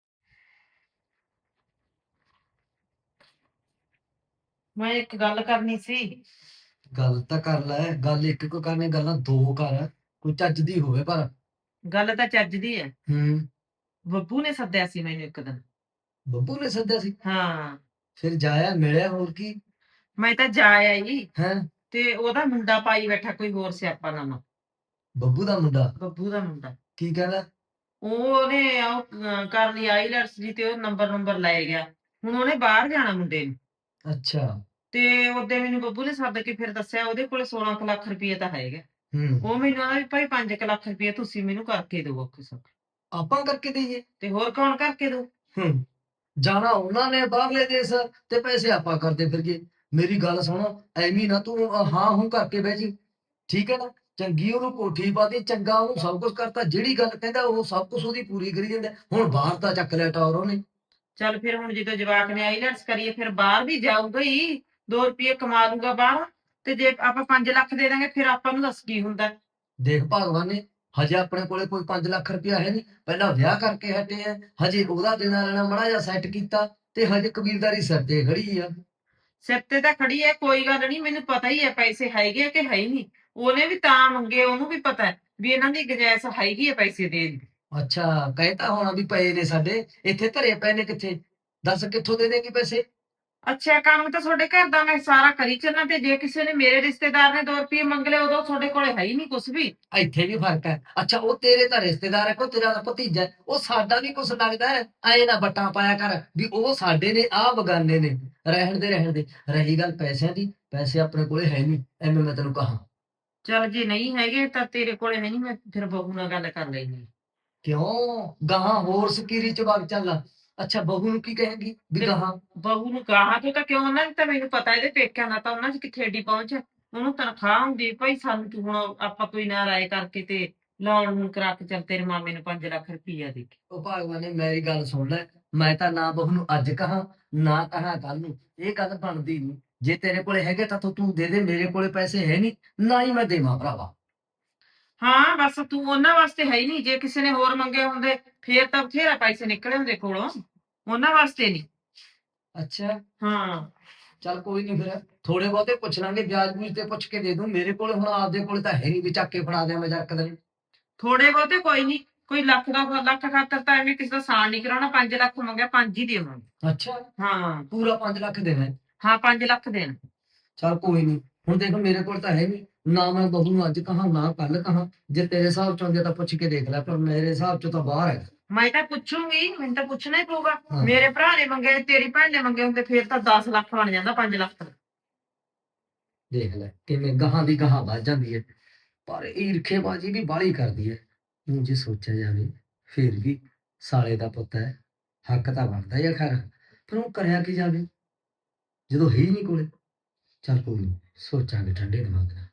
ਮੈਂ ਇੱਕ ਗੱਲ ਕਰਨੀ ਸੀ ਗੱਲ ਤਾਂ ਕਰ ਲੈ, ਗੱਲ ਇੱਕ ਕੋ ਕਰਨੇ ਗੱਲਾਂ ਦੋ ਕਰ, ਕੋਈ ਚੱਜ ਦੀ ਹੋਵੇ ਪਰ। ਗੱਲ ਤਾਂ ਚੱਜ ਦੀ ਹੈ ਹੂੰ ਬੱਬੂ ਨੇ ਸੱਦਿਆ ਸੀ ਮੈਨੂੰ ਇੱਕ ਦਿਨ ਬੱਬੂ ਨੇ ਸੱਦਿਆ ਸੀ, ਹਾਂ ਫਿਰ ਜਾਇਆ ਮਿਲਿਆ, ਹੋਰ ਕੀ ਮੈਂ ਤਾਂ ਜਾ ਆਈ ਹੈ? ਤੇ ਉਹਦਾ ਮੁੰਡਾ ਪਾਈ ਬੈਠਾ ਕੋਈ ਹੋਰ ਸਿਆਪਾ ਨਵਾਂ ਬੱਬੂ ਦਾ ਮੁੰਡਾ ਬੱਬੂ ਦਾ ਮੁੰਡਾ ਕੀ ਕਹਿੰਦਾ? ਉਹਨੇ ਉਹ ਅਹ ਕਰ ਲਈ ਆਈਲੈਟਸ ਦੀ ਤੇ ਉਹ ਨੰਬਰ ਨੰਬਰ ਲੈ ਗਿਆ ਹੁਣ ਉਹਨੇ ਬਾਹਰ ਜਾਣਾ ਮੁੰਡੇ ਨੂੰ ਅੱਛਾ। ਤੇ ਉਹਦੇ ਮੈਨੂੰ ਬੱਬੂ ਨੇ ਸੱਦ ਕੇ ਫਿਰ ਦੱਸਿਆ ਉਹਦੇ ਕੋਲ ਸੋਲਾਂ ਕੁ ਲੱਖ ਰੁਪਏ ਤਾਂ ਹੈਗਾ ਹੂੰ ਉਹ ਮੈਨੂੰ ਆਦਾ ਵੀ ਭਾਈ ਪੰਜ ਕੁ ਲੱਖ ਰੁਪਏ ਤੁਸੀਂ ਮੈਨੂੰ ਕਰਕੇ ਦਿਓ ਔਖੇ ਸੌਖੇ ਆਪਾਂ ਕਰਕੇ ਦਈਏ? ਤੇ ਹੋਰ ਕੌਣ ਕਰਕੇ ਦੋ ਹੂੰ ਜਾਣਾ ਉਹਨਾਂ ਨੇ ਬਾਹਰਲੇ ਦੇਸ਼ ਤੇ ਪੈਸੇ ਆਪਾਂ ਕਰਦੇ ਫਿਰਗੇ। ਮੇਰੀ ਗੱਲ ਸੁਣ, ਐਵੇਂ ਨਾ ਤੂੰ ਹਾਂ ਹੂੰ ਕਰਕੇ ਬਹਿ ਜੀ, ਠੀਕ ਹੈ ਨਾ? ਚੰਗੀ ਉਹਨੂੰ ਕੋਠੀ ਪਾਤੀ, ਚੰਗਾ ਉਹਨੂੰ ਸਭ ਕੁਝ ਕਰਤਾ, ਜਿਹੜੀ ਗੱਲ ਕਹਿੰਦਾ ਉਹ ਸਭ ਕੁਝ ਉਹਦੀ ਪੂਰੀ ਕਰੀ ਜਾਂਦਾ। ਹੁਣ ਬਾਹਰ ਤਾਂ ਚੱਕ ਲਿਆ ਟੌਰ ਉਹਨੇ, ਚੱਲ ਫਿਰ ਹੁਣ ਜਦੋਂ ਜਵਾਕ ਨੇ ਆਈਲੈਟਸ ਕਰੀਏ ਫਿਰ ਬਾਹਰ ਵੀ ਜਾਊਗਾ ਹੀ, ਦੋ ਰੁਪਏ ਕਮਾ ਲੂਗਾ ਬਾਹਰ। ਤੇ ਜੇ ਆਪਾਂ ਪੰਜ ਲੱਖ ਦੇ ਦਾਂਗੇ ਫਿਰ ਆਪਾਂ ਨੂੰ ਦੱਸ ਕੀ ਹੁੰਦਾ। ਦੇਖ ਭਗਵਾਨ ਨੇ, ਹਜੇ ਆਪਣੇ ਕੋਲੇ ਕੋਈ ਪੰਜ ਲੱਖ ਰੁਪਇਆ ਹੈ ਨਹੀਂ, ਪਹਿਲਾਂ ਵਿਆਹ ਕਰਕੇ ਹਟੇ ਆ, ਹਜੇ ਉਹਦਾ ਦੇਣਾ ਲੈਣਾ ਮਾੜਾ ਜਿਹਾ ਸੈੱਟ ਕੀਤਾ, ਤੇ ਹਜੇ ਕਬੀਲਦਾਰੀ ਸਿਰ ਤੇ ਖੜੀ ਆ। ਸਿਰ ਤੇ ਤਾਂ ਖੜੀ ਹੈ, ਕੋਈ ਗੱਲ ਨਹੀਂ, ਮੈਨੂੰ ਪਤਾ ਹੀ ਹੈ ਪੈਸੇ ਹੈਗੇ ਆ ਕਿ ਹੈ ਹੀ ਨਹੀਂ। ਉਹਨੇ ਵੀ ਤਾਂ ਮੰਗੇ, ਉਹਨੂੰ ਵੀ ਪਤਾ ਹੈ ਵੀ ਇਹਨਾਂ ਦੀ ਗੁੰਜਾਇਸ਼ ਹੈਗੀ ਹੈ ਪੈਸੇ ਦੇਣ ਦੀ। ਅੱਛਾ, ਕਹਿਤਾ ਹੋਣਾ ਵੀ ਪਏ ਨੇ ਸਾਡੇ, ਇੱਥੇ ਧਰੇ ਪਏ ਨੇ, ਕਿੱਥੇ ਦੱਸ ਕਿੱਥੋਂ ਦੇ ਦੇਗੀ ਪੈਸੇ? ਅੱਛਾ, ਕੰਮ ਤਾਂ ਤੁਹਾਡੇ ਘਰ ਦਾ ਮੈਂ ਸਾਰਾ ਕਰੀ ਚੱਲਾਂ, ਤੇ ਜੇ ਕਿਸੇ ਨੇ ਮੇਰੇ ਰਿਸ਼ਤੇਦਾਰ ਨੇ ਦੋ ਰੁਪਏ ਮੰਗ ਲਏ ਉਦੋਂ ਤੁਹਾਡੇ ਕੋਲੇ ਹੈ ਹੀ ਨਹੀਂ ਕੁਝ ਵੀ। ਇੱਥੇ ਵੀ ਫਰਕ ਹੈ। ਅੱਛਾ, ਉਹ ਤੇਰੇ ਤਾਂ ਰਿਸ਼ਤੇਦਾਰ ਹੈ, ਕੋ ਤੇਰਾ ਤਾਂ ਭਤੀਜਾ ਹੈ, ਉਹ ਸਾਡਾ ਵੀ ਕੁਛ ਲੱਗਦਾ ਹੈ। ਐ ਨਾ ਬੱਟਾਂ ਪਾਇਆ ਕਰ ਵੀ ਉਹ ਸਾਡੇ ਨੇ, ਆਹ ਬਗਾਨੇ ਨੇ। ਰਹਿਣ ਦੇ ਰਹਿਣ ਦੇ। ਰਹੀ ਗੱਲ ਪੈਸਿਆਂ ਦੀ, ਪੈਸੇ ਆਪਣੇ ਕੋਲੇ ਹੈ ਨਹੀਂ, ਐਵੇਂ ਮੈਂ ਤੈਨੂੰ ਕਹਾਂ। ਚੱਲ ਜੇ ਨਹੀਂ ਹੈਗੇ ਤਾਂ ਤੇਰੇ ਕੋਲੇ ਹੈ ਨਹੀਂ, ਮੈਂ ਫਿਰ ਬਹੂ ਨਾਲ ਗੱਲ ਕਰ ਲੈਣੀ। ਕਿਉਂ ਗਾਹਾਂ ਹੋਰ ਸਕੀਰੀ ਚ ਵਗ ਚੱਲ। ਅੱਛਾ, ਬਹੂ ਨੂੰ ਕੀ ਕਹੇਗੀ ਵੀ ਤੇ ਗਾਹਾਂ? ਬਹੂ ਨੂੰ ਗਾਹਾਂ ਤੋਂ ਤਾਂ ਕਿਉਂ, ਉਹਨਾਂ ਦੀ ਤਾਂ ਮੈਨੂੰ ਪਤਾ, ਇਹਦੇ ਪੇਕਿਆਂ ਦਾ ਤਾਂ ਉਹਨਾਂ ਚ ਕਿੱਥੇ ਏਡੀ ਪਹੁੰਚ ਹੈ। ਉਹਨੂੰ ਤਨਖਾਹ ਹੁੰਦੀ ਭਾਈ, ਸਾਨੂੰ ਤੂੰ ਹੁਣ ਆਪਾਂ ਕੋਈ ਨਾ ਰਾਏ ਕਰਕੇ ਤੇ ਲੋਨ ਨੂੰ ਕਰਾ ਕੇ ਚੱਲ ਤੇਰੇ ਮਾਮੇ ਨੂੰ ਪੰਜ ਲੱਖ ਰੁਪਈਆ ਦੇ ਕੇ। ਉਹ ਭਗਵਾਨ ਨੇ ਮੇਰੀ ਗੱਲ ਸੁਣ ਲੈ, ਮੈਂ ਤਾਂ ਨਾ ਬਹੂ ਨੂੰ ਅੱਜ ਕਹਾਂ ਨਾ ਕਹਾਂ ਕੱਲ ਨੂੰ, ਇਹ ਗੱਲ ਬਣਦੀ ਨਹੀਂ। ਜੇ ਤੇਰੇ ਕੋਲੇ ਹੈਗੇ ਤਾਂ ਤੂੰ ਤੂੰ ਦੇ ਦੇ, ਮੇਰੇ ਕੋਲੇ ਪੈਸੇ ਹੈ ਨਹੀਂ, ਨਾ ਹੀ ਮੈਂ ਦੇਵਾਂ ਭਰਾਵਾ। ਹਾਂ ਬਸ ਤੂੰ ਉਹਨਾਂ ਵਾਸਤੇ ਹੈ ਹੀ ਨਹੀਂ, ਜੇ ਕਿਸੇ ਨੇ ਹੋਰ ਮੰਗੇ ਹੁੰਦੇ ਫੇਰ ਤਾਂ ਬਥੇਰਾ ਪੈਸੇ ਨਿਕਲੇ ਹੁੰਦੇ ਕੋਲੋਂ, ਉਹਨਾਂ ਵਾਸਤੇ ਨਹੀਂ। ਅੱਛਾ, ਹਾਂ ਚੱਲ ਕੋਈ ਨਹੀਂ, ਫਿਰ ਥੋੜੇ ਬਹੁਤੇ ਪੁੱਛ ਲਾਂਗੇ, ਵਿਆਜ ਬੂਜ ਤੇ ਪੁੱਛ ਕੇ ਦੇ ਦੂੰ। ਮੇਰੇ ਕੋਲ ਹੁਣ ਆਪਦੇ ਕੋਲ ਤਾਂ ਹੈ ਨਹੀਂ ਵੀ ਚੱਕ ਕੇ ਫੜਾ ਦਿਆਂ ਮੈਂ ਜਰਕ ਦੇ। ਥੋੜੇ ਬਹੁਤੇ ਕੋਈ ਨਹੀਂ, ਕੋਈ ਲੱਖ ਦਾ ਲੱਖ ਖਾਤਰ ਤਾਂ ਐਵੇਂ ਕਿਸੇ ਦਾ ਸਾਨ ਨਹੀਂ ਕਰਾਉਣਾ। ਪੰਜ ਲੱਖ ਮੰਗਿਆ, ਪੰਜ ਹੀ ਦੇਵਾਂਗੇ। ਅੱਛਾ, ਹਾਂ ਪੂਰਾ ਪੰਜ ਲੱਖ ਦੇਣਾ ਹੈ? ਹਾਂ ਪੰਜ ਲੱਖ ਦੇਣ। ਚੱਲ ਕੋਈ ਨਹੀਂ, ਹੁਣ ਦੇਖ ਮੇਰੇ ਕੋਲ ਤਾਂ ਹੈ ਨਹੀਂ, ਨਾ ਮੈਂ ਬਹੂ ਨੂੰ ਅੱਜ ਕਹਾਂ ਨਾ ਕੱਲ ਕਹਾਂ। ਜੇ ਤੇਰੇ ਹਿਸਾਬ ਚੋਂ ਆਉਂਦੇ ਤਾਂ ਪੁੱਛ ਕੇ ਦੇਖ ਲੈ, ਪਰ ਮੇਰੇ ਹਿਸਾਬ ਚੋਂ ਤਾਂ ਬਾਹਰ ਹੈ। ਮੈਂ ਤਾਂ ਪੁੱਛੂੰਗੀ, ਮੈਨੂੰ ਤਾਂ ਪੁੱਛਣਾ ਹੀ ਪਊਗਾ। ਹਾਂ। ਮੇਰੇ ਭਰਾ ਨੇ ਮੰਗੇ, ਤੇਰੀ ਭੈਣ ਨੇ ਮੰਗੇ ਹੁੰਦੇ ਫੇਰ ਤਾਂ ਦਸ ਲੱਖ ਬਣ ਜਾਂਦਾ ਪੰਜ ਲੱਖ ਦਾ। ਦੇਖ ਲੈ ਕਿਵੇਂ ਗਾਹਾਂ ਦੀ ਗਾਹਾਂ ਵੱਧ ਜਾਂਦੀ ਹੈ, ਪਰ ਈਰਖੇਬਾਜ਼ੀ ਵੀ ਬਾਹਲੀ ਕਰਦੀ ਹੈ। ਹੁਣ ਜੇ ਸੋਚਿਆ ਜਾਵੇ ਫੇਰ ਵੀ ਸਾਲੇ ਦਾ ਪੁੱਤ ਹੈ, ਹੱਕ ਤਾਂ ਬਣਦਾ ਹੀ ਆ ਖੈਰ, ਪਰ ਉਹ ਕਰਿਆ ਕੀ ਜਾਵੇ ਜਦੋਂ ਹੈ ਹੀ ਨਹੀਂ ਕੋਲੇ। ਚੱਲ ਕੋਈ ਨਹੀਂ, ਸੋਚਾਂਗੇ ਠੰਡੇ ਦਿਮਾਗ ਨਾਲ।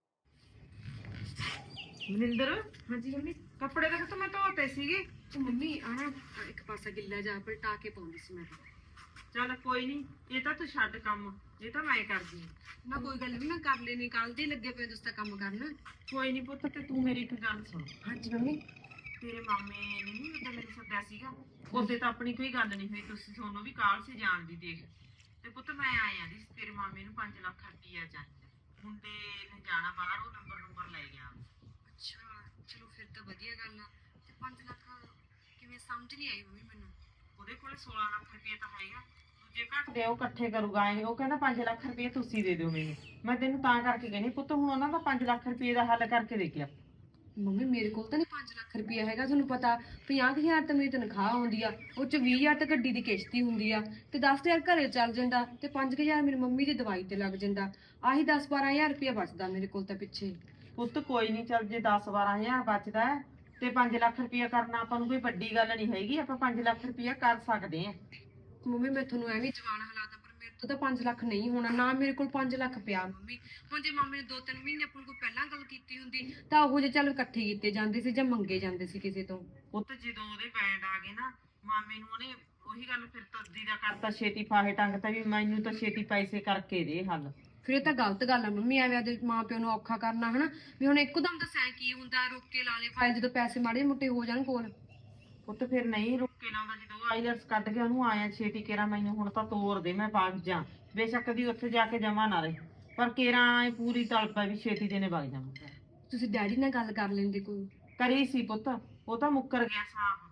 ਮਨਿੰਦਰ, ਹਾਂਜੀ ਮੰਮੀ। ਕੱਪੜੇ ਤਾਂ ਤਾਂ ਮੈਂ ਧੋਤੇ ਸੀਗੇ। ਉਹ ਮੰਮੀ ਆਣਾ ਇੱਕ ਪਾਸਾ ਗਿੱਲਾ ਜਾ ਪਲਟਾ ਕੇ ਪਾਉਂਦੀ ਸੀ ਮੈਂ ਤਾਂ। ਚੱਲ ਕੋਈ ਨਹੀਂ, ਇਹ ਤਾਂ ਤੂੰ ਛੱਡ ਕੰਮ, ਇਹ ਤਾਂ ਮੈਂ ਕਰਦੀ ਹਾਂ। ਨਾ ਕੋਈ ਗੱਲ ਨਹੀਂ, ਮੈਂ ਕਰ ਲੈਣੀ, ਕੱਲ ਦੇ ਲੱਗੇ ਪਏ ਤੁਸੀਂ ਤਾਂ ਕੰਮ ਕਰਨਾ। ਕੋਈ ਨਹੀਂ ਪੁੱਤ, ਤੇ ਤੂੰ ਮੇਰੀ ਇੱਕ ਗੱਲ ਸੁਣ। ਹਾਂਜੀ ਮੰਮੀ। ਤੇਰੇ ਮਾਮੇ ਨੇ ਨਹੀਂ ਉਦੋਂ ਮੈਨੂੰ ਸੱਦਿਆ ਸੀਗਾ, ਉਹਦੇ ਤਾਂ ਆਪਣੀ ਕੋਈ ਗੱਲ ਨਹੀਂ ਹੋਈ, ਤੁਸੀਂ ਤੁਹਾਨੂੰ ਵੀ ਕਾਲ ਸੀ ਜਾਣ ਦੀ। ਦੇਖ ਤੇ ਪੁੱਤ ਮੈਂ ਆਇਆ ਦੀ ਤੇਰੇ ਮਾਮੇ ਨੂੰ ਪੰਜ ਲੱਖ ਰੁਪਈਆ ਚਾਹੀਦਾ, ਮੁੰਡੇ ਨੇ ਜਾਣਾ ਬਾਹਰ, ਉਹ ਨੰਬਰ ਨੰਬਰ ਲੈ ਗਿਆ। ਅੱਛਾ ਚਲੋ ਫਿਰ ਤਾਂ ਵਧੀਆ ਗੱਲ ਆ। ਤੇ ਪੰਜ ਲੱਖ ਕਿਵੇਂ, ਸਮਝ ਨਹੀਂ ਆਈ ਮੰਮੀ ਮੈਨੂੰ। ਉਹਦੇ ਕੋਲ ਸੋਲਾਂ ਲੱਖ ਰੁਪਏ ਤਾਂ ਹੈਗਾ, ਦੂਜੇ ਘੱਟ ਦੇ ਉਹ ਇਕੱਠੇ ਕਰੂਗਾ ਇਹ। ਉਹ ਕਹਿੰਦਾ ਪੰਜ ਲੱਖ ਰੁਪਏ ਤੁਸੀਂ ਦੇ ਦਿਓ ਮੈਨੂੰ। ਮੈਂ ਤੈਨੂੰ ਤਾਂ ਕਰਕੇ ਕਹਿੰਦੀ ਪੁੱਤ, ਹੁਣ ਉਹਨਾਂ ਦਾ ਪੰਜ ਲੱਖ ਰੁਪਏ ਦਾ ਹੱਲ ਕਰਕੇ ਦੇਖਿਆ। ਮੰਮੀ ਮੇਰੇ ਕੋਲ ਤਾਂ ਨਹੀਂ ਪੰਜ ਲੱਖ ਰੁਪਇਆ ਹੈਗਾ, ਤੁਹਾਨੂੰ ਪਤਾ ਪੰਜਾਹ ਕੁ ਹਜ਼ਾਰ ਤਾਂ ਮੇਰੀ ਤਨਖਾਹ ਆਉਂਦੀ ਆ, ਉਹ ਚ ਵੀਹ ਹਜ਼ਾਰ ਤਾਂ ਗੱਡੀ ਦੀ ਕਿਸ਼ਤ ਹੀ ਹੁੰਦੀ ਆ, ਤੇ ਦਸ ਹਜ਼ਾਰ ਘਰੇ ਚੱਲ ਜਾਂਦਾ, ਤੇ ਪੰਜ ਕੁ ਹਜ਼ਾਰ ਮੇਰੀ ਮੰਮੀ ਦੀ ਦਵਾਈ ਤੇ ਲੱਗ ਜਾਂਦਾ। ਆਹੀ ਦਸ ਬਾਰਾਂ ਹਜ਼ਾਰ ਰੁਪਇਆ ਬਚਦਾ ਮੇਰੇ ਕੋਲ ਤਾਂ ਪਿੱਛੇ। ਪੁੱਤ ਕੋਈ ਨਹੀਂ, ਚੱਲ ਜੇ ਦਸ ਬਾਰਾਂ ਹਜ਼ਾਰ ਬਚਦਾ ਹੈ ਤੇ ਪੰਜ ਲੱਖ ਰੁਪਇਆ ਕਰਨਾ ਆਪਾਂ ਨੂੰ ਕੋਈ ਵੱਡੀ ਗੱਲ ਨਹੀਂ ਹੈਗੀ, ਆਪਾਂ ਪੰਜ ਲੱਖ ਰੁਪਇਆ ਕਰ ਸਕਦੇ ਹਾਂ। ਮੰਮੀ ਮੈਂ ਤੁਹਾਨੂੰ ਐਵੇਂ ਜਵਾਨ ਹਾਲਾਤਾਂ, ਪਰ ਮੇਰੇ ਤੋਂ ਤਾਂ ਪੰਜ ਲੱਖ ਨਹੀਂ ਹੋਣਾ, ਨਾ ਮੇਰੇ ਕੋਲ ਪੰਜ ਲੱਖ ਪਿਆ ਮੰਮੀ। ਹੁਣ ਜੇ ਮਾਮੇ ਨੇ ਦੋ ਤਿੰਨ ਮਹੀਨੇ ਆਪਣੇ ਕੋਲ ਪਹਿਲਾਂ ਗੱਲ ਕੀਤੀ ਹੁੰਦੀ ਤਾਂ ਉਹ ਜੇ ਚੱਲ ਇਕੱਠੇ ਕੀਤੇ ਜਾਂਦੇ ਸੀ ਜਾਂ ਮੰਗੇ ਜਾਂਦੇ ਸੀ ਕਿਸੇ ਤੋਂ। ਪੁੱਤ ਜਦੋਂ ਉਹਦੇ ਬੈਂਡ ਆ ਗਏ ਨਾ, ਮਾਮੇ ਨੂੰ ਉਹਨੇ ਉਹੀ ਗੱਲ ਫਿਰ ਤੱਦੀ ਦਾ ਕਰਤਾ, ਛੇਤੀ ਫਾਹੇ ਟੰਗ ਤਾਂ ਵੀ ਮੈਨੂੰ ਤਾਂ ਛੇਤੀ ਪੈਸੇ ਕਰਕੇ ਦੇ ਹੱਲ। ਫਿਰ ਇਹ ਤਾਂ ਗਲਤ ਗੱਲ ਆ ਮੰਮੀ, ਐਵੇਂ ਆਦੇ ਮਾਂ ਪਿਓ ਨੂੰ ਔਖਾ ਕਰਨਾ ਹਨਾ। ਵੀ ਹੁਣ ਇੱਕਦਮ ਦੱਸਿਆ ਕੀ ਹੁੰਦਾ, ਰੁੱਕ ਕੇ ਲਾ ਲੇ ਫਾਈਲ, ਜਦੋਂ ਪੈਸੇ ਮਾੜੇ ਮੋਟੇ ਹੋ ਜਾਣ ਕੋਲ। ਪੁੱਤ ਫਿਰ ਨਹੀਂ ਰੁੱਕ ਕੇ ਲਾਉਂਦਾ, ਜਦੋਂ ਆਈਲੈਟਸ ਕੱਢ ਕੇ ਉਹਨੂੰ ਆਇਆ ਛੇਤੀ ਕੇਰਾ ਮੈਨੂੰ ਹੁਣ ਤਾਂ ਤੋਰ ਦੇ, ਮੈਂ ਵਗ ਜਾ। ਬੇਸ਼ੱਕ ਦੀ ਉੱਥੇ ਜਾ ਕੇ ਜਮਾ ਨਾ ਰਹੇ, ਪਰ ਕੇਰਾ ਪੂਰੀ ਤਲਪ ਹੈ ਵੀ ਛੇਤੀ ਦੇ ਨੇ ਵਗ ਜਾਵਾਂ। ਤੁਸੀਂ ਡੈਡੀ ਨਾਲ ਗੱਲ ਕਰ ਲੈਂਦੇ ਕੋਈ। ਕਰੀ ਸੀ ਪੁੱਤ, ਉਹ ਤਾਂ ਮੁੱਕਰ ਗਿਆ ਸਾਹਬ।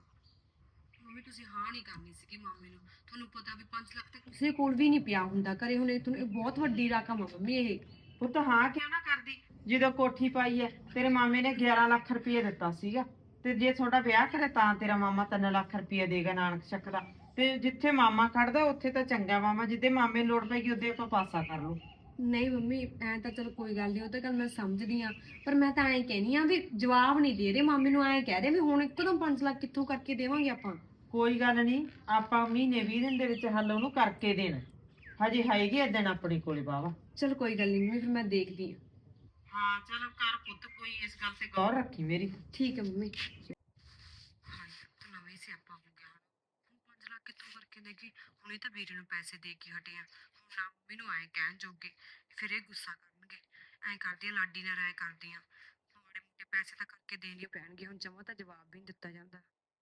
ਮੰਮੀ ਤੁਸੀਂ ਹਾਂ ਨਹੀਂ ਕਰਨੀ ਸੀਗੀ ਮਾਮੇ ਨੂੰ, ਤੁਹਾਨੂੰ ਪਤਾ ਵੀ ਪੰਜ ਲੱਖ ਤਾਂ ਕਿਸੇ ਕੋਲ ਵੀ ਨਹੀਂ ਪਿਆ ਹੁੰਦਾ ਘਰੇ। ਹੁਣ ਇਹ ਤੁਹਾਨੂੰ ਇਹ ਬਹੁਤ ਵੱਡੀ ਰਕਮ ਆ ਮੰਮੀ ਇਹ। ਪੁੱਤ ਹਾਂ ਕਿਉਂ ਨਾ ਕਰਦੀ, ਜਦੋਂ ਕੋਠੀ ਪਾਈ ਹੈ ਤੇਰੇ ਮਾਮੇ ਨੇ ਗਿਆਰਾਂ ਲੱਖ ਰੁਪਏ ਦਿੱਤਾ ਸੀਗਾ, ਤੇ ਜੇ ਤੁਹਾਡਾ ਵਿਆਹ ਕਰੇ ਤਾਂ ਤੇਰਾ ਮਾਮਾ ਤਿੰਨ ਲੱਖ ਰੁਪਏ ਦੇਗਾ ਨਾਨਕ ਚੱਕ ਦਾ। ਤੇ ਜਿੱਥੇ ਮਾਮਾ ਖੜਦਾ ਉੱਥੇ ਤਾਂ ਚੰਗਾ ਮਾਮਾ, ਜਿੱਦੇ ਮਾਮੇ ਲੋੜ ਪੈਗੀ ਉਹਦੇ ਆਪਾਂ ਪਾਸਾ ਕਰ ਲਓ। ਨਹੀਂ ਮੰਮੀ ਐਂ ਤਾਂ ਚਲ ਕੋਈ ਗੱਲ ਨਹੀਂ, ਉਹ ਤਾਂ ਗੱਲ ਮੈਂ ਸਮਝਦੀ ਆ, ਪਰ ਮੈਂ ਤਾਂ ਐਂ ਕਹਿਨੀ ਆ ਵੀ ਜਵਾਬ ਨਹੀਂ ਦੇ ਰਹੇ ਮਾਮੇ ਨੂੰ। ਐਂ ਕਹਿ ਰਹੇ ਵੀ ਹੁਣ ਇੱਕਦਮ ਪੰਜ ਲੱਖ ਕਿੱਥੋਂ ਕਰਕੇ ਦੇਵਾਂਗੇ ਆਪਾਂ। ਕੋਈ ਗੱਲ ਨਹੀਂ, ਆਪਾਂ ਮਹੀਨੇ ਵੀਹ ਦਿਨ ਦੇ ਵਿੱਚ ਹੱਲ ਉਹਨੂੰ ਕਰਕੇ ਦੇਣਾ, ਹਜੇ ਹੈਗੀ ਆ ਦਿਨ ਆਪਣੇ ਕੋਲੇ ਬਾਵਾ। ਚਲ ਕੋਈ ਗੱਲ ਨਹੀਂ ਮੰਮੀ, ਫਿਰ ਮੈਂ ਦੇਖਦੀ ਆ। ਹਾਂ ਚਲੋ ਕਰ ਪੁੱਤ, ਕੋਈ ਇਸ ਗੱਲ ਤੇ ਗੌਰ ਰੱਖੀ ਮੇਰੀ। ਠੀਕ ਹੈ ਮੰਮੀ। ਹਾਂ ਤਾਂ ਨਵੇਂ ਸਿਆਪਾ ਹੋ ਗਿਆ, ਹੁਣ ਪੰਜ ਲੱਖ ਕਿੱਥੋਂ ਕਰਕੇ ਕਹਿੰਦੇ ਕਿ ਹੁਣੇ ਤਾਂ ਵੀਰੇ ਨੂੰ ਪੈਸੇ ਦੇ ਕੇ ਹਟੇ ਆ, ਹੁਣ ਨਾ ਮੰਮੀ ਨੂੰ ਐਂ ਕਹਿਣ ਜੋਗੇ, ਫਿਰ ਇਹ ਗੁੱਸਾ ਕਰਨਗੇ। ਐਂ ਕਰਦੀ ਆ, ਲਾਡੀ ਨਾਲ ਰਾਏ ਕਰਦੀ ਆ, ਮਾੜੇ ਮੋਟੇ ਪੈਸੇ ਤਾਂ ਕਰਕੇ ਦੇਣੇ ਪੈਣਗੇ, ਹੁਣ ਜਮਾਂ ਤਾਂ ਜਵਾਬ ਵੀ ਨਹੀਂ ਦਿੱਤਾ ਜਾਂਦਾ।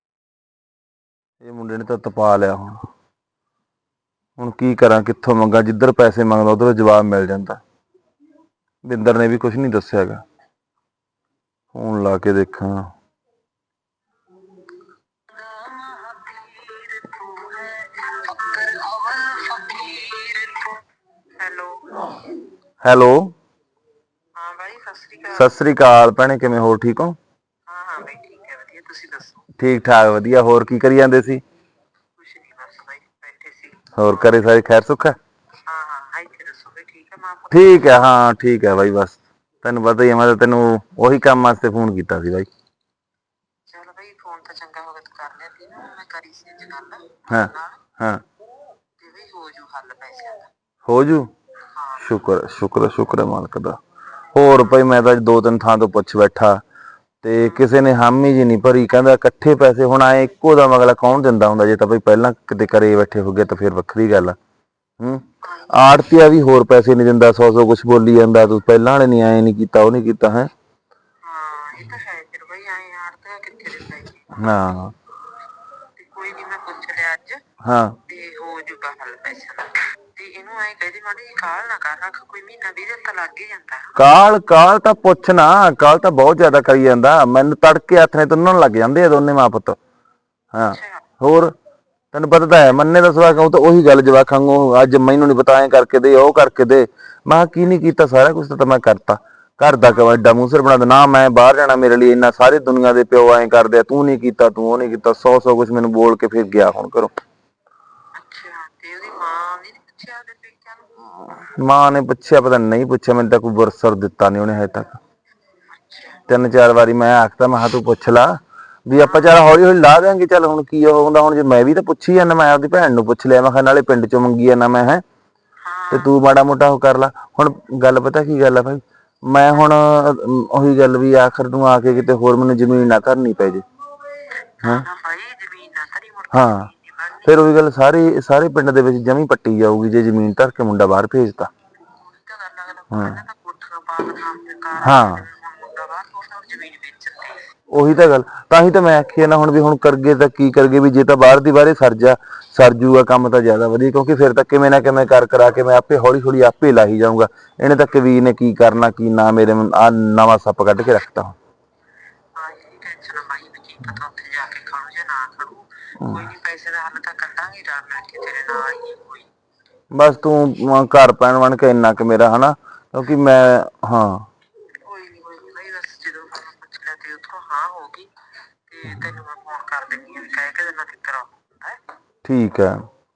ਇਹ ਮੁੰਡੇ ਨੇ ਤਾਂ ਤਪਾ ਲਿਆ। ਹੁਣ ਹੁਣ ਕੀ ਕਰਾਂ, ਕਿੱਥੋਂ ਮੰਗਾ? ਜਿੱਧਰ ਪੈਸੇ ਮੰਗਦਾ ਉਧਰ ਜਵਾਬ ਮਿਲ ਜਾਂਦਾ। ਬਿੰਦਰ ਨੇ ਵੀ ਕੁਝ ਨਹੀਂ ਦੱਸਿਆ ਹੈਗਾ। ਫੋਨ ਲਾ ਕੇ ਦੇਖਾਂ। ਹੈਲੋ। ਹੈਲੋ, ਹਾਂ ਬਾਈ, ਸਤਿ ਸ੍ਰੀ ਅਕਾਲ। ਸਤਿ ਸ੍ਰੀ ਅਕਾਲ ਭੈਣੇ, ਕਿਵੇਂ? ਹੋਰ ਠੀਕ ਹੋ? ਹਾਂ ਹਾਂ ਬਾਈ, ਠੀਕ ਹੈ, ਵਧੀਆ। ਤੁਸੀਂ ਦੱਸੋ? ਠੀਕ ਠਾਕ, ਵਧੀਆ। ਹੋਰ ਕੀ ਕਰੀ ਜਾਂਦੇ ਸੀ? ਕੁਛ ਨਹੀਂ, ਬਸ ਬਾਈ ਬੈਠੇ ਸੀ। ਹੋਰ ਘਰੇ ਸਾਰੇ ਖੈਰ ਸੁੱਖ ਹੈ? ਹਾਂ ਹਾਂ, ਇੱਥੇ ਦੱਸੋ ਬਈ, ਠੀਕ ਹੈ ਮਾਂ ਪੁੱਤ? ਠੀਕ ਹੈ, ਹਾਂ ਠੀਕ ਹੈ ਬਾਈ। ਬਸ ਤੈਨੂੰ ਪਤਾ ਹੀ ਹੈ, ਮੈਂ ਤਾਂ ਤੈਨੂੰ ਉਹੀ ਕੰਮ ਵਾਸਤੇ ਫੋਨ ਕੀਤਾ ਸੀ ਬਾਈ। ਚੱਲ ਬਈ, ਫੋਨ ਤਾਂ ਚੰਗਾ ਹੋ ਗਿਆ ਤੂੰ ਕਰ ਲਿਆ ਸੀ ਨਾ। ਮੈਂ ਕਰੀ ਸੀ ਅੱਜ ਗੱਲ ਹਾਂ ਨਾਲ, ਹਾਂ। ਤੇ ਬਈ ਹੋ ਜੂ ਹੱਲ ਪੈਸਿਆਂ ਦਾ। ਹੋ ਜੂ? ਹਾਂ ਸ਼ੁਕਰ ਸ਼ੁਕਰ ਸ਼ੁਕਰ ਹੈ ਮਾਲਕ ਦਾ। ਹੋਰ ਭਾਈ, ਮੈਂ ਤਾਂ ਅੱਜ ਦੋ ਤਿੰਨ ਥਾਂ ਤੋਂ ਪੁੱਛ ਬੈਠਾ ਤੇ ਕਿਸੇ ਨੇ ਹਾਮੀ ਜੀ ਨਹੀਂ ਭਰੀ। ਕਹਿੰਦਾ ਇਕੱਠੇ ਪੈਸੇ ਹੁਣ ਆਏ ਇੱਕੋ ਦਾ ਅਗਲਾ ਕੌਣ ਦਿੰਦਾ ਹੁੰਦਾ? ਜੇ ਤਾਂ ਬਈ ਪਹਿਲਾਂ ਕਿਤੇ ਘਰੇ ਬੈਠੇ ਹੋ ਗਏ ਤਾਂ ਫਿਰ ਵੱਖਰੀ ਗੱਲ ਆ। ਹੂੰ, ਆੜਤੀਆ ਵੀ ਹੋਰ ਪੈਸੇ ਨਹੀਂ ਦਿੰਦਾ, ਸੌ ਸੌ ਕੁਛ ਬੋਲੀ ਜਾਂਦਾ, ਤੂੰ ਪਹਿਲਾਂ ਵਾਲੇ ਨੀ ਆਏ ਨੀ ਕੀਤਾ, ਉਹ ਨੀ ਕੀਤਾ ਹੈ। ਹਾਂ, ਇਹ ਤਾਂ ਹੈ ਫਿਰ ਬਈ, ਆਏ ਯਾਰ ਤਾਂ ਕਿੱਥੇ ਦਿੰਦਾ ਜੀ। ਹਾਂ ਤੇ ਕੋਈ ਨੀ, ਮੈਂ ਪੁੱਛ ਲਿਆ ਅੱਜ ਹਾਂ। ਤੇ ਹੋ ਜੂਗਾ ਹੱਲ ਪੈਸਿਆਂ ਦਾ। ਤੇ ਇਹਨੂੰ ਐਂ ਕਹਦੇ ਮਾੜੀ ਜੀ ਕਾਹਲ ਨਾ ਕਰ ਰੱਖ, ਕੋਈ ਮਹੀਨਾ ਵੀਹ ਦਿਨ ਤਾਂ ਲੱਗ ਹੀ ਜਾਂਦਾ। ਕਾਲ ਕਾਲ ਤਾਂ ਪੁੱਛ ਨਾ, ਕਾਲ ਤਾਂ ਬਹੁਤ ਜ਼ਿਆਦਾ ਕਰੀ ਜਾਂਦਾ। ਮੈਨੂੰ ਤੜਕੇ ਹੱਥ ਨੇ ਤੁੰਨਣ ਲੱਗ ਜਾਂਦੇ ਆ ਦੋਨੇ ਮਾਂ ਪੁੱਤ। ਹਾਂ, ਅੱਛਾ। ਹੋਰ ਤੈਨੂੰ ਪਤਾ ਤਾਂ ਹੈ, ਮੰਨੇ ਦਾ ਸਵਾਲ ਕਹੂੰ ਤਾਂ ਉਹੀ ਗੱਲ ਜਵਾਕਾਂ ਵਾਂਗੂ, ਅੱਜ ਮੈਨੂੰ ਨੀ ਪਤਾ, ਐਂ ਕਰਕੇ ਦੇ, ਉਹ ਕਰਕੇ ਦੇ। ਮੈਂ ਕਿਹਾ ਕੀ ਨੀ ਕੀਤਾ, ਸਾਰਾ ਕੁਛ ਤਾਂ ਮੈਂ ਕਰਤਾ। ਘਰ ਦਾ ਐਡਾ ਮੂੰਹ ਸਿਰ ਬਣਾ ਦੇ ਨਾ, ਮੈਂ ਬਾਹਰ ਜਾਣਾ, ਮੇਰੇ ਲਈ ਇੰਨਾ, ਸਾਰੇ ਦੁਨੀਆ ਦੇ ਪਿਓ ਐਂ ਕਰਦੇ ਆ, ਤੂੰ ਨੀ ਕੀਤਾ, ਤੂੰ ਉਹ ਨੀ ਕੀਤਾ, ਸੌ ਸੌ ਕੁਛ ਮੈਨੂੰ ਬੋਲ ਕੇ ਫਿਰ ਗਿਆ ਹੁਣ ਘਰੋਂ। ਅੱਛਾ, ਤੇ ਉਹਦੀ ਮਾਂ ਨੇ ਨੀ ਪੁੱਛਿਆ ਉਹਦੇ ਪੇਕਿਆਂ ਨੂੰ? ਮਾਂ ਨੇ ਪੁੱਛਿਆ, ਪਤਾ ਨਹੀਂ ਪੁੱਛਿਆ, ਮੈਨੂੰ ਤਾਂ ਕੋਈ ਬੁਰਸਰ ਦਿੱਤਾ ਨੀ ਉਹਨੇ ਹਜੇ ਤੱਕ। ਅੱਛਾ। ਤਿੰਨ ਚਾਰ ਵਾਰੀ ਮੈਂ ਆਖਤਾ, ਮੈਂ ਕਿਹਾ ਤੂੰ ਪੁੱਛ ਲਾ ਵੀ ਆਪਾਂ ਚੱਲ ਹੌਲੀ ਹੌਲੀ ਲਾ ਦਿਆਂਗੇ। ਚੱਲ ਹੁਣ ਕੀ ਉਹ ਹੁੰਦਾ, ਹੁਣ ਜੇ ਮੈਂ ਵੀ ਤਾਂ ਪੁੱਛੀ ਜਾਂਦਾ, ਮੈਂ ਆਪਦੀ ਭੈਣ ਨੂੰ ਪੁੱਛ ਲਿਆ, ਮੈਂ ਕਿਹਾ ਨਾਲੇ ਪਿੰਡ ਚੋਂ ਮੰਗੀ ਜਾਂਦਾ ਮੈਂ, ਹੈ ਤੇ ਹਾਂ। ਤੂੰ ਮਾੜਾ ਮੋਟਾ ਉਹ ਕਰ ਲਾ। ਹੁਣ ਗੱਲ ਪਤਾ ਕੀ ਗੱਲ ਆ ਭਾਈ, ਮੈਂ ਹੁਣ ਉਹੀ ਗੱਲ ਵੀ ਆਖਰ ਨੂੰ ਆ ਕੇ ਕਿਤੇ ਹੋਰ ਮੈਨੂੰ ਜ਼ਮੀਨ ਨਾ ਧਰਨੀ ਪੈ ਜੇ। ਨਾ ਹੈਂ ਨਾ ਭਾਈ, ਜ਼ਮੀਨ ਨਾ ਧਰੀ, ਮੁੜ ਕੇ ਹਾਂ, ਜ਼ਮੀਨ ਨੀ ਬਣਨੀ। ਫਿਰ ਉਹੀ ਗੱਲ, ਸਾਰੇ ਸਾਰੇ ਪਿੰਡ ਦੇ ਵਿੱਚ ਜਮੀ ਪੱਟੀ ਜਾਊਗੀ ਜੇ ਜ਼ਮੀਨ ਧਰ ਕੇ ਮੁੰਡਾ ਬਾਹਰ ਭੇਜਤਾ। ਉਹੀ ਤਾਂ ਗੱਲ ਅਗਲਾ ਹਾਂ ਪਹਿਲਾਂ ਤਾਂ ਕੋਠੀਆਂ ਪਾ ਦਿੰਦਾ, ਆਪਣੇ ਕਾਰਾਂ ਪਾ ਹਾਂ, ਦਿੰਦੇ, ਹੁਣ ਮੁੰਡਾ ਬਾਹਰ ਤੋਰਦਾ, ਹੁਣ ਜ਼ਮੀਨ ਵੇਚ ਦਿੱਤੀ। ਉਹੀ ਤਾਂ ਗੱਲ, ਤਾਂ ਹੀ ਤਾਂ ਮੈਂ ਆਖੀ ਨਾ ਹੁਣ ਵੀ ਹੁਣ ਕਰਗੇ ਤਾਂ ਕੀ ਕਰਗੇ, ਵੀ ਜੇ ਤਾਂ ਬਾਹਰ ਦੀ ਬਾਹਰੇ ਸਰ ਜਾ ਸਰ ਜੂਗਾ ਕੰਮ ਤਾਂ ਜ਼ਿਆਦਾ ਵਧੀਆ, ਕਿਉਂਕਿ ਫਿਰ ਤਾਂ ਕਿਵੇਂ ਨਾ ਕਿਵੇਂ ਕਰ ਕਰਾ ਕੇ ਮੈਂ ਆਪੇ ਹੌਲੀ ਹੌਲੀ ਆਪੇ ਲਾਹੀ ਜਾਊਂਗਾ। ਇਹਨੇ ਤਾਂ ਕਵੀਰ ਨੇ ਕੀ ਕਰਨਾ ਕੀ ਨਾ, ਮੇਰੇ ਆ ਨਵਾਂ ਸੱਪ ਕੱਢ ਕੇ ਰੱਖਤਾ। ਹਾਂ, ਇਹਦੀ ਟੈਨਸ਼ਨ ਆ ਬਾਈ, ਵੀ ਕੀ ਪਤਾ ਉੱਥੇ ਜਾ ਕੇ ਖੜੂ ਜਾਂ ਨਾ ਖੜੂ। ਕੋਈ ਨੀ, ਪੈਸੇ ਦਾ ਹੱਲ ਤਾਂ ਕੱਢਾਂਗੇ ਰਲ ਮਿਲ ਕੇ, ਤੇਰੇ ਨਾਲ ਹੀ ਆ ਕੋਈ। ਬਸ ਤੂੰ ਘਰ ਪੈਣ ਬਣ ਕੇ ਇੰਨਾ ਕੁ ਮੇਰਾ, ਹਨਾ, ਕਿਉਂਕਿ ਮੈਂ ਹਾਂ। ਕੋਈ ਨੀ ਕੋਈ ਨੀ ਬਾਈ, ਬਸ ਜਦੋਂ ਮੈਂ ਪੁੱਛ ਲਿਆ ਤੇ ਉੱਥੋਂ ਹਾਂ ਹੋ ਗਈ, ਤੇ ਤੈਨੂੰ ਮੈਂ ਫੋਨ ਕਰ ਦਿੰਦੀ ਆ, ਵੀ ਕਹਿ ਕੇ ਦਿਨਾ ਕਿੱਧਰ ਆਉਂਦਾ ਹੈ। ਠੀਕ ਹੈ।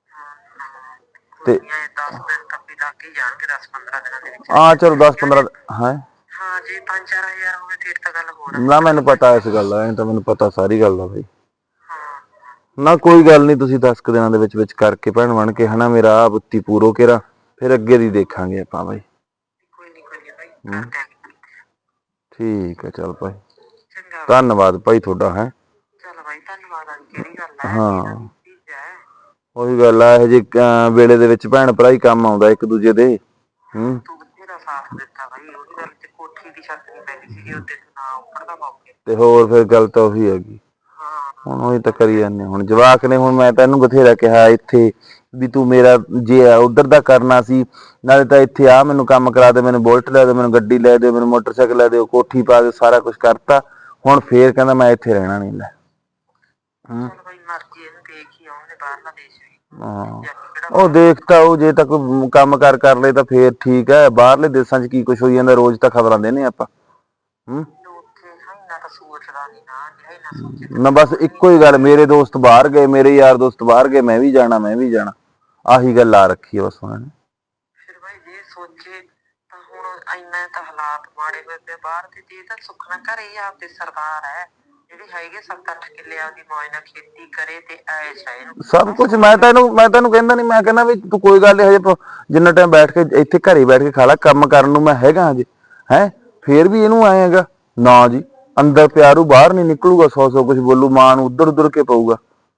ਕੋਈ ਤੇ ਨੀ, ਐ ਦਸ ਦਿਨ ਤਾਂ ਵੀ ਲੱਗ ਹੀ ਜਾਣਗੇ, ਦਸ ਪੰਦਰਾਂ ਦਿਨਾਂ ਦੇ ਵਿੱਚ ਹਾਂ ਚਲੋ ਦਸ ਕਿਉਂ ਪੰਦਰਾਂ ਜੇ। ਹੈ ਹਾਂ, ਜੇ ਪੰਜ ਚਾਰ ਹਜ਼ਾਰ ਹੋਵੇ ਫਿਰ ਤਾਂ ਗੱਲ ਹੋਰ ਆ, ਨਾ, ਹੁਣ ਮੈਨੂੰ ਪਤਾ ਇਸ ਗੱਲ ਦਾ, ਐ ਤਾਂ ਮੈਨੂੰ ਪਤਾ ਸਾਰੀ ਗੱਲ ਦਾ ਬਈ। ਹਾਂ। ਨਾ ਕੋਈ ਗੱਲ ਨੀ, ਤੁਸੀਂ ਦਸ ਕੁ ਦਿਨਾਂ ਦੇ ਵਿੱਚ ਵਿੱਚ ਕਰਕੇ ਭੈਣ ਬਣ ਕੇ, ਹਨਾ, ਮੇਰਾ ਆ ਬੁੱਤੀ ਪੂਰੋ ਕੇਰਾ, ਫਿਰ ਅੱਗੇ ਦੀ ਦੇਖਾਂਗੇ ਆਪਾਂ ਬਾਈ। ਕੋਈ ਨੀ ਕੋਈ ਨੀ ਬਾਈ, ਹੂੰ, ਕਰ ਦਿਆਂਗੇ। ਠੀਕ ਹੈ, ਚੱਲ ਭਾਈ, ਚੰਗਾ ਬਾਈ। ਧੰਨਵਾਦ ਭਾਈ ਤੁਹਾਡਾ। ਹੈ ਚੱਲ ਬਾਈ, ਧੰਨਵਾਦ ਵਾਲੀ ਕਿਹੜੀ ਗੱਲ ਹੈ, ਮੇਰਾ ਹਾਂ, ਵੀ ਭਤੀਜਾ ਹੈ। ਉਹੀ ਗੱਲ ਆ, ਇਹੋ ਜਿਹੇ ਅਹ ਵੇਲੇ ਦੇ ਵਿੱਚ ਭੈਣ ਭਰਾ ਹੀ ਕੰਮ ਆਉਂਦਾ ਇੱਕ ਦੂਜੇ ਦੇ। ਹੂੰ, ਤੂੰ ਬਥੇਰਾ ਸਾਥ ਦਿੱਤਾ ਬਾਈ, ਉਹਦੀ ਗੱਲ ਤੇ ਕੋਠੀ ਦੀ ਛੱਤ ਨਹੀਂ ਪੈਂਦੀ ਸੀਗੀ ਉੱਤੇ, ਤੂੰ ਨਾ ਉੱਪੜਦਾ ਮੌਕੇ। ਤੇ ਹੋਰ ਫਿਰ ਗੱਲ ਤਾਂ ਉਹੀ ਹੈਗੀ। ਹਾਂ। ਹੁਣ ਉਹੀ ਤਾਂ ਕਰੀ ਜਾਂਦੇ, ਹੁਣ ਜਵਾਕ ਨੇ, ਹੁਣ ਮੈਂ ਤੈਨੂੰ ਬਥੇਰਾ ਕਿਹਾ ਇੱਥੇ ਵੀ ਤੂੰ ਮੇਰਾ ਜੇ ਉੱਧਰ ਦਾ ਕਰਨਾ ਸੀ, ਨਾਲੇ ਤਾਂ ਇੱਥੇ ਆ ਮੈਨੂੰ ਕੰਮ ਕਰਾ ਦੇ, ਮੈਨੂੰ ਬੁਲਟ ਲੈ ਦਿਓ, ਮੈਨੂੰ ਗੱਡੀ ਲੈ ਦਿਓ, ਮੈਨੂੰ ਮੋਟਰਸਾਈਕਲ ਲੈ ਦਿਓ, ਕੋਠੀ ਪਾ ਦਿਓ, ਸਾਰਾ ਕੁਛ ਕਰਤਾ। ਹੁਣ ਫੇਰ ਕਹਿੰਦਾ ਮੈਂ ਇੱਥੇ ਰਹਿਣਾ ਨੀ। ਲੈ ਹੂੰ, ਚੱਲ ਬਾਈ, ਮਰਜ਼ੀ ਇਹਨੂੰ, ਦੇਖ ਹੀ ਆਉਣ ਦੇ ਬਾਹਰਲਾ ਦੇਸ਼ ਵੀ। ਹਾਂ, ਜਾ ਕੇ ਕਿਹੜਾ ਉਹ ਬਾਹਰ ਜਾਣਾ। ਦੇਖਤਾ ਉਹ, ਜੇ ਤਾਂ ਕੋਈ ਕੰਮ ਕਾਰ ਕਰ ਲਏ ਤਾਂ ਫੇਰ ਠੀਕ ਹੈ। ਬਾਹਰਲੇ ਦੇਸਾਂ ਚ ਕੀ ਕੁਛ ਹੋਈ ਜਾਂਦਾ, ਰੋਜ਼ ਤਾਂ ਖ਼ਬਰਾਂ ਦੇਨੇ ਆਪਾਂ। ਹੂੰ, ਉੱਥੇ ਇੰਨਾ ਤਾਂ ਸੋਚਦਾ ਨੀ ਨਾ, ਜਿਹੜਾ ਇੰਨਾ ਸੋਚੇ ਤੇ ਨਾ ਫਿਰ ਬਸ ਕੁਛ ਨੀ ਇੱਕੋ ਹੀ ਗੱਲ, ਹੁੰਦਾ। ਮੇਰੇ ਦੋਸਤ ਬਾਹਰ ਗਏ, ਮੇਰੇ ਯਾਰ ਦੋਸਤ ਬਾਹਰ ਗਏ, ਮੈਂ ਵੀ ਜਾਣਾ ਮੈਂ ਵੀ ਜਾਣਾ, ਆਹੀ ਗੱਲ ਆ ਰੱਖੀ ਹੈ ਬਸ ਉਹਨਾਂ ਨੇ। ਫਿਰ ਬਾਈ ਜੇ ਸੋਚੇ ਤਾਂ ਹੁਣ ਇੰਨਾ ਤਾਂ ਹਾਲਾਤ ਮਾੜੇ ਹੋਏ ਪਏ ਬਾਹਰ ਦੇ, ਤੇ ਇਹ ਤਾਂ ਸੁੱਖ ਨਾਲ ਘਰੇ ਹੀ ਆਪਦੇ ਸਰਦਾਰ ਹੈ, ਜਿਹੜੇ ਹੈਗੇ ਸੱਤ ਅੱਠ ਕਿੱਲੇ ਆਪਦੀ ਮੌਜ ਨਾਲ ਖੇਤੀ ਕਰੇ ਤੇ ਐਸ਼ ਹੈ ਇਹਨੂੰ। ਸਭ ਬਸ ਕੁਛ ਹੋਰ ਮੈਂ ਕੋਈ। ਤੈਨੂੰ ਮੈਂ ਤੈਨੂੰ ਕਹਿੰਦਾ ਨੀ, ਮੈਂ ਕਹਿੰਦਾ ਵੀ ਤੂੰ ਕੋਈ ਗੱਲ ਨੀ, ਹਜੇ ਜਿੰਨਾ ਟਾਈਮ ਬੈਠ ਕੇ ਇੱਥੇ ਘਰੇ ਬੈਠ ਕੇ ਖਾ ਲਾ, ਕੰਮ ਕਰਨ ਨੂੰ ਮੈਂ ਹੈਗਾ ਹਜੇ। ਹੈਂ, ਫੇਰ ਵੀ ਇਹਨੂੰ ਆਏ ਹੈਗਾ ਨਾ ਜੀ, ਅੰਦਰ ਪਿਆਰੂ ਬਾਹਰ ਨੀ ਨਿਕਲੂਗਾ, ਸੌ ਸੌ ਕੁਛ ਬੋਲੂ, ਮਾਂ ਨੂੰ ਉੱਧਰ ਉੱਧਰ ਕੇ ਪਊਗਾ।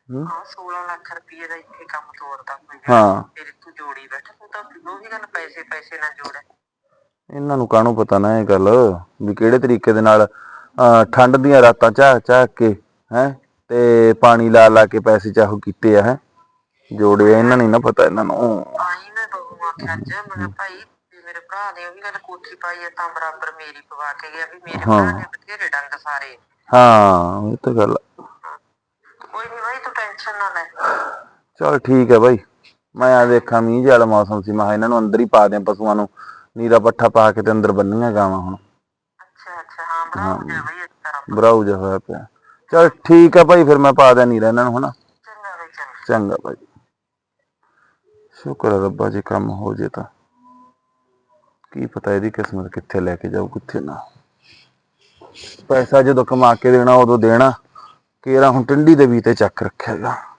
ਹਾਂ ਸੋਲਾਂ ਲੱਖ ਰੁਪਏ ਦਾ ਇੱਥੇ ਕੰਮ ਤੋਰਦਾ ਕੋਈ ਹਾਂ ਫਿਰ ਤੂੰ ਜੋੜੀ ਬੈਠਾ ਤੂੰ ਤਾਂ ਉਹੀ ਗੱਲ ਪੈਸੇ ਪੈਸੇ ਨਾਲ ਜੋੜ ਇਹਨਾਂ ਨੂੰ ਕਾਹਨੂੰ ਪਤਾ ਨਾ ਇਹ ਗੱਲ ਵੀ ਕਿਹੜੇ ਤਰੀਕੇ ਦੇ ਨਾਲ ਅਹ ਠੰਡ ਦੀਆਂ ਰਾਤਾਂ ਝਾਕ ਝਾਕ ਕੇ ਹੈ ਤੇ ਪਾਣੀ ਲਾ ਲਾ ਕੇ ਪੈਸੇ ਚਾਹੋ ਕੀਤੇ ਆ ਹੈ ਜੋੜੇ ਆ, ਇਹਨਾਂ ਨਹੀਂ ਨਾ ਪਤਾ ਇਹਨਾਂ ਨੂੰ। ਆਈ ਮੈਂ ਬਹੂ ਆਖਿਆ ਅੱਜ ਮੈਂ ਕਿਹਾ ਭਾਈ ਵੀ ਮੇਰੇ ਭਰਾ ਨੇ ਉਹੀ ਗੱਲ ਕੋਠੀ ਪਾਈ ਆ ਤਾਂ ਬਰਾਬਰ ਮੇਰੀ ਪਵਾ ਕੇ ਗਿਆ ਵੀ ਮੇਰੇ ਭਰਾ ਨੇ ਬਥੇਰੇ ਡੰਗ ਸਾਰੇ। ਹਾਂ ਇਹ ਤਾਂ ਗੱਲ ਕੋਈ ਨਹੀਂ ਭਾਈ ਤੂੰ ਟੈਨਸ਼ਨ ਨਾ ਲੈ। ਚਲ ਠੀਕ ਹੈ ਬਾਈ, ਮੈਂ ਆ ਦੇਖਾਂ ਮੀਂਹ ਜਿਹਾ ਵਾਲਾ ਮੌਸਮ ਸੀ, ਮੈਂ ਕਿਹਾ ਇਹਨਾਂ ਨੂੰ ਅੰਦਰ ਹੀ ਪਾ ਦਿਆਂ ਪਸ਼ੂਆਂ ਨੂੰ, ਨੀਰਾ ਪੱਠਾ ਪਾ ਕੇ ਤੇ ਅੰਦਰ ਬੰਨੀਆਂ ਗਾਵਾਂ ਹੁਣ। ਅੱਛਾ ਅੱਛਾ ਹਾਂ ਬਰਾਬਰ ਜਾ ਭਾਈ ਇਸ ਤਰ੍ਹਾਂ ਬਰਾਊ ਜਿਹਾ ਹੋਇਆ ਪਿਆ। ਚਲ ਠੀਕ ਆ ਭਾਈ, ਫਿਰ ਮੈਂ ਪਾ ਦਿਆਂ ਨੀਰਾ ਇਹਨਾਂ ਨੂੰ ਹਨਾ। ਚੰਗਾ ਭਾਈ ਚੰਗਾ। ਚੰਗਾ ਭਾਈ, ਸ਼ੁਕਰ ਹੈ ਰੱਬਾ ਜੇ ਕੰਮ ਹੋ ਜੇ ਤਾਂ ਕੀ ਪਤਾ ਇਹਦੀ ਕਿਸਮਤ ਕਿੱਥੇ ਲੈ ਕੇ ਜਾਊ ਕਿੱਥੇ ਨਾ। ਪੈਸਾ ਜਦੋਂ ਕਮਾ ਕੇ ਦੇਣਾ ਉਦੋਂ ਦੇਣਾ, ਕੇਰਾ ਹੁਣ ਟੰਡੀ ਦੇ ਵੀ ਤੇ ਚੱਕ ਰੱਖਿਆਗਾ।